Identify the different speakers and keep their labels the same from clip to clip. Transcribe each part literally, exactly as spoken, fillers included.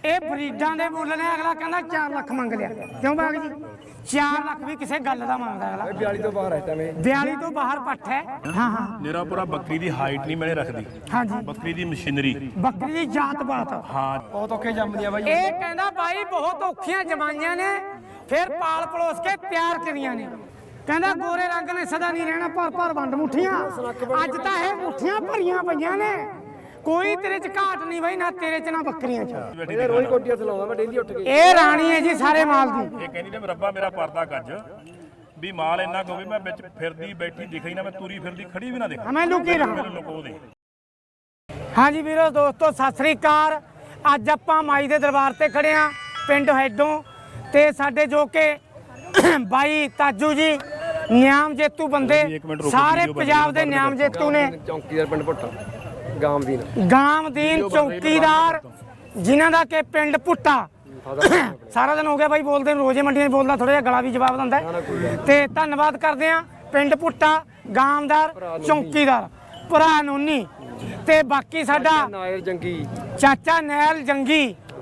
Speaker 1: ਇਹ ਬਰੀਡਾਂ ਦੇ ਮੁੱਲ ਨੇ ਅਗਲਾ ਕਹਿੰਦਾ ਚਾਰ ਲੱਖ ਮੰਗ ਲਿਆ ਕਿਉਂ ਬਾਗ ਜੀ ਚਾਰ ਲੱਖ ਵੀ ਕਿਸੇ ਗੱਲ ਦਾ ਮੰਗਦਾ ਅਗਲਾ
Speaker 2: बयाली तो बाहर है तमें
Speaker 1: बयाली ਤੋਂ ਬਾਹਰ ਪੱਠ ਹੈ ਹਾਂ ਹਾਂ
Speaker 3: ਮੇਰਾ ਪੂਰਾ ਬੱਕਰੀ ਦੀ ਹਾਈਟ ਨਹੀਂ ਮੈਨੇ ਰੱਖਦੀ
Speaker 1: ਹਾਂਜੀ
Speaker 3: ਬੱਕਰੀ ਦੀ ਮਸ਼ੀਨਰੀ
Speaker 1: ਬੱਕਰੀ ਦੀ ਜਾਤ ਬਾਤ
Speaker 3: ਹਾਂ
Speaker 2: बहुत औखे जमदियां भाई
Speaker 1: ਇਹ ਕਹਿੰਦਾ ਬਾਈ ਬਹੁਤ ਔਖੀਆਂ ਜਮਾਈਆਂ ਨੇ ਫਿਰ ਪਾਲ ਪਲੋਸ ਕੇ ਤਿਆਰ ਕਰੀਆਂ ਨੇ ਕਹਿੰਦਾ ਗੋਰੇ ਰੰਗ ਨੇ ਸਦਾ ਨਹੀਂ ਰਹਿਣਾ ਭਰ ਭਰ ਵੰਡ ਮੁੱਠੀਆਂ ਅੱਜ ਤਾਂ ਇਹ ਮੁੱਠੀਆਂ ਭਰੀਆਂ ਪਈਆਂ ਨੇ ਕੋਈ ਤੇਰੇ ਚ ਘਾਟ ਨਹੀਂ ਬਾਈ ਨਾ ਤੇਰੇ ਚ ਨਾ ਬੱਕਰੀਆਂ ਚ
Speaker 2: ये रोज कोटियां चलाऊंगा मैं डेली उठ के
Speaker 1: ਇਹ ਰਾਣੀ ਹੈ ਜੀ ਸਾਰੇ ਮਾਲ ਦੀ
Speaker 3: ਇਹ ਕਹਿੰਦੀ ਨੇ ਰੱਬਾ ਮੇਰਾ ਪਰਦਾ ਗੱਜ ਵੀ ਮਾਲ ਇੰਨਾ ਕੁ ਹੋਵੇ ਮੈਂ ਵਿੱਚ ਫਿਰਦੀ ਬੈਠੀ ਦਿਖਈ ਨਾ ਮੈਂ ਤੁਰੀ ਫਿਰਦੀ ਖੜੀ ਵੀ ਨਾ ਦੇਖਾਂ
Speaker 1: ਮੈਂ ਲੁਕੀ ਰਹਾਂ
Speaker 3: ਮੈਨੂੰ ਲੁਕੋ ਦੇ
Speaker 1: ਹਾਂਜੀ ਵੀਰੋ ਦੋਸਤੋ ਸਤਿ ਸ੍ਰੀ ਅਕਾਲ ਅੱਜ ਆਪਾਂ ਮਾਈ ਦੇ ਦਰਬਾਰ ਤੇ ਖੜੇ ਆ ਪਿੰਡ ਹੈਡੋਂ ਤੇ ਸਾਡੇ ਜੋ ਕਿ ਬਾਈ ਤਾਜੂ ਜੀ ਨਿਆਮ ਜੇਤੂ ਬੰਦੇ ਸਾਰੇ ਪੰਜਾਬ ਦੇ ਨਿਆਮ ਜੇਤੂ ਨੇ
Speaker 2: चौकीदार पिंड भुट्टा गामदीन
Speaker 1: ਗਾਮਦੀਨ ਚੌਕੀਦਾਰ ਜਿਨ੍ਹਾਂ ਦਾ ਕਿ ਪਿੰਡ ਪੁੱਟਾ ਸਾਰਾ ਦਿਨ ਹੋ ਗਿਆ ਬਾਈ ਬੋਲਦੇ ਨੂੰ ਰੋਜ਼ੇ ਮੰਡੀਆਂ 'ਚ ਬੋਲਦਾ ਥੋੜਾ ਜਿਹਾ ਗਲਾ ਵੀ ਜਵਾਬ ਦਿੰਦਾ ਹੈ। ਤੇ ਧੰਨਵਾਦ ਕਰਦੇ ਆ ਪਿੰਡ ਪੁੱਟਾ ਗਾਮਦਾਰ ਚੌਕੀਦਾਰ ਭਰਾ ਨੋਨੀ ਤੇ ਬਾਕੀ ਸਾਡਾ
Speaker 2: नायर जंगी
Speaker 1: ਚਾਚਾ ਨੈਲ ਜੰਗੀ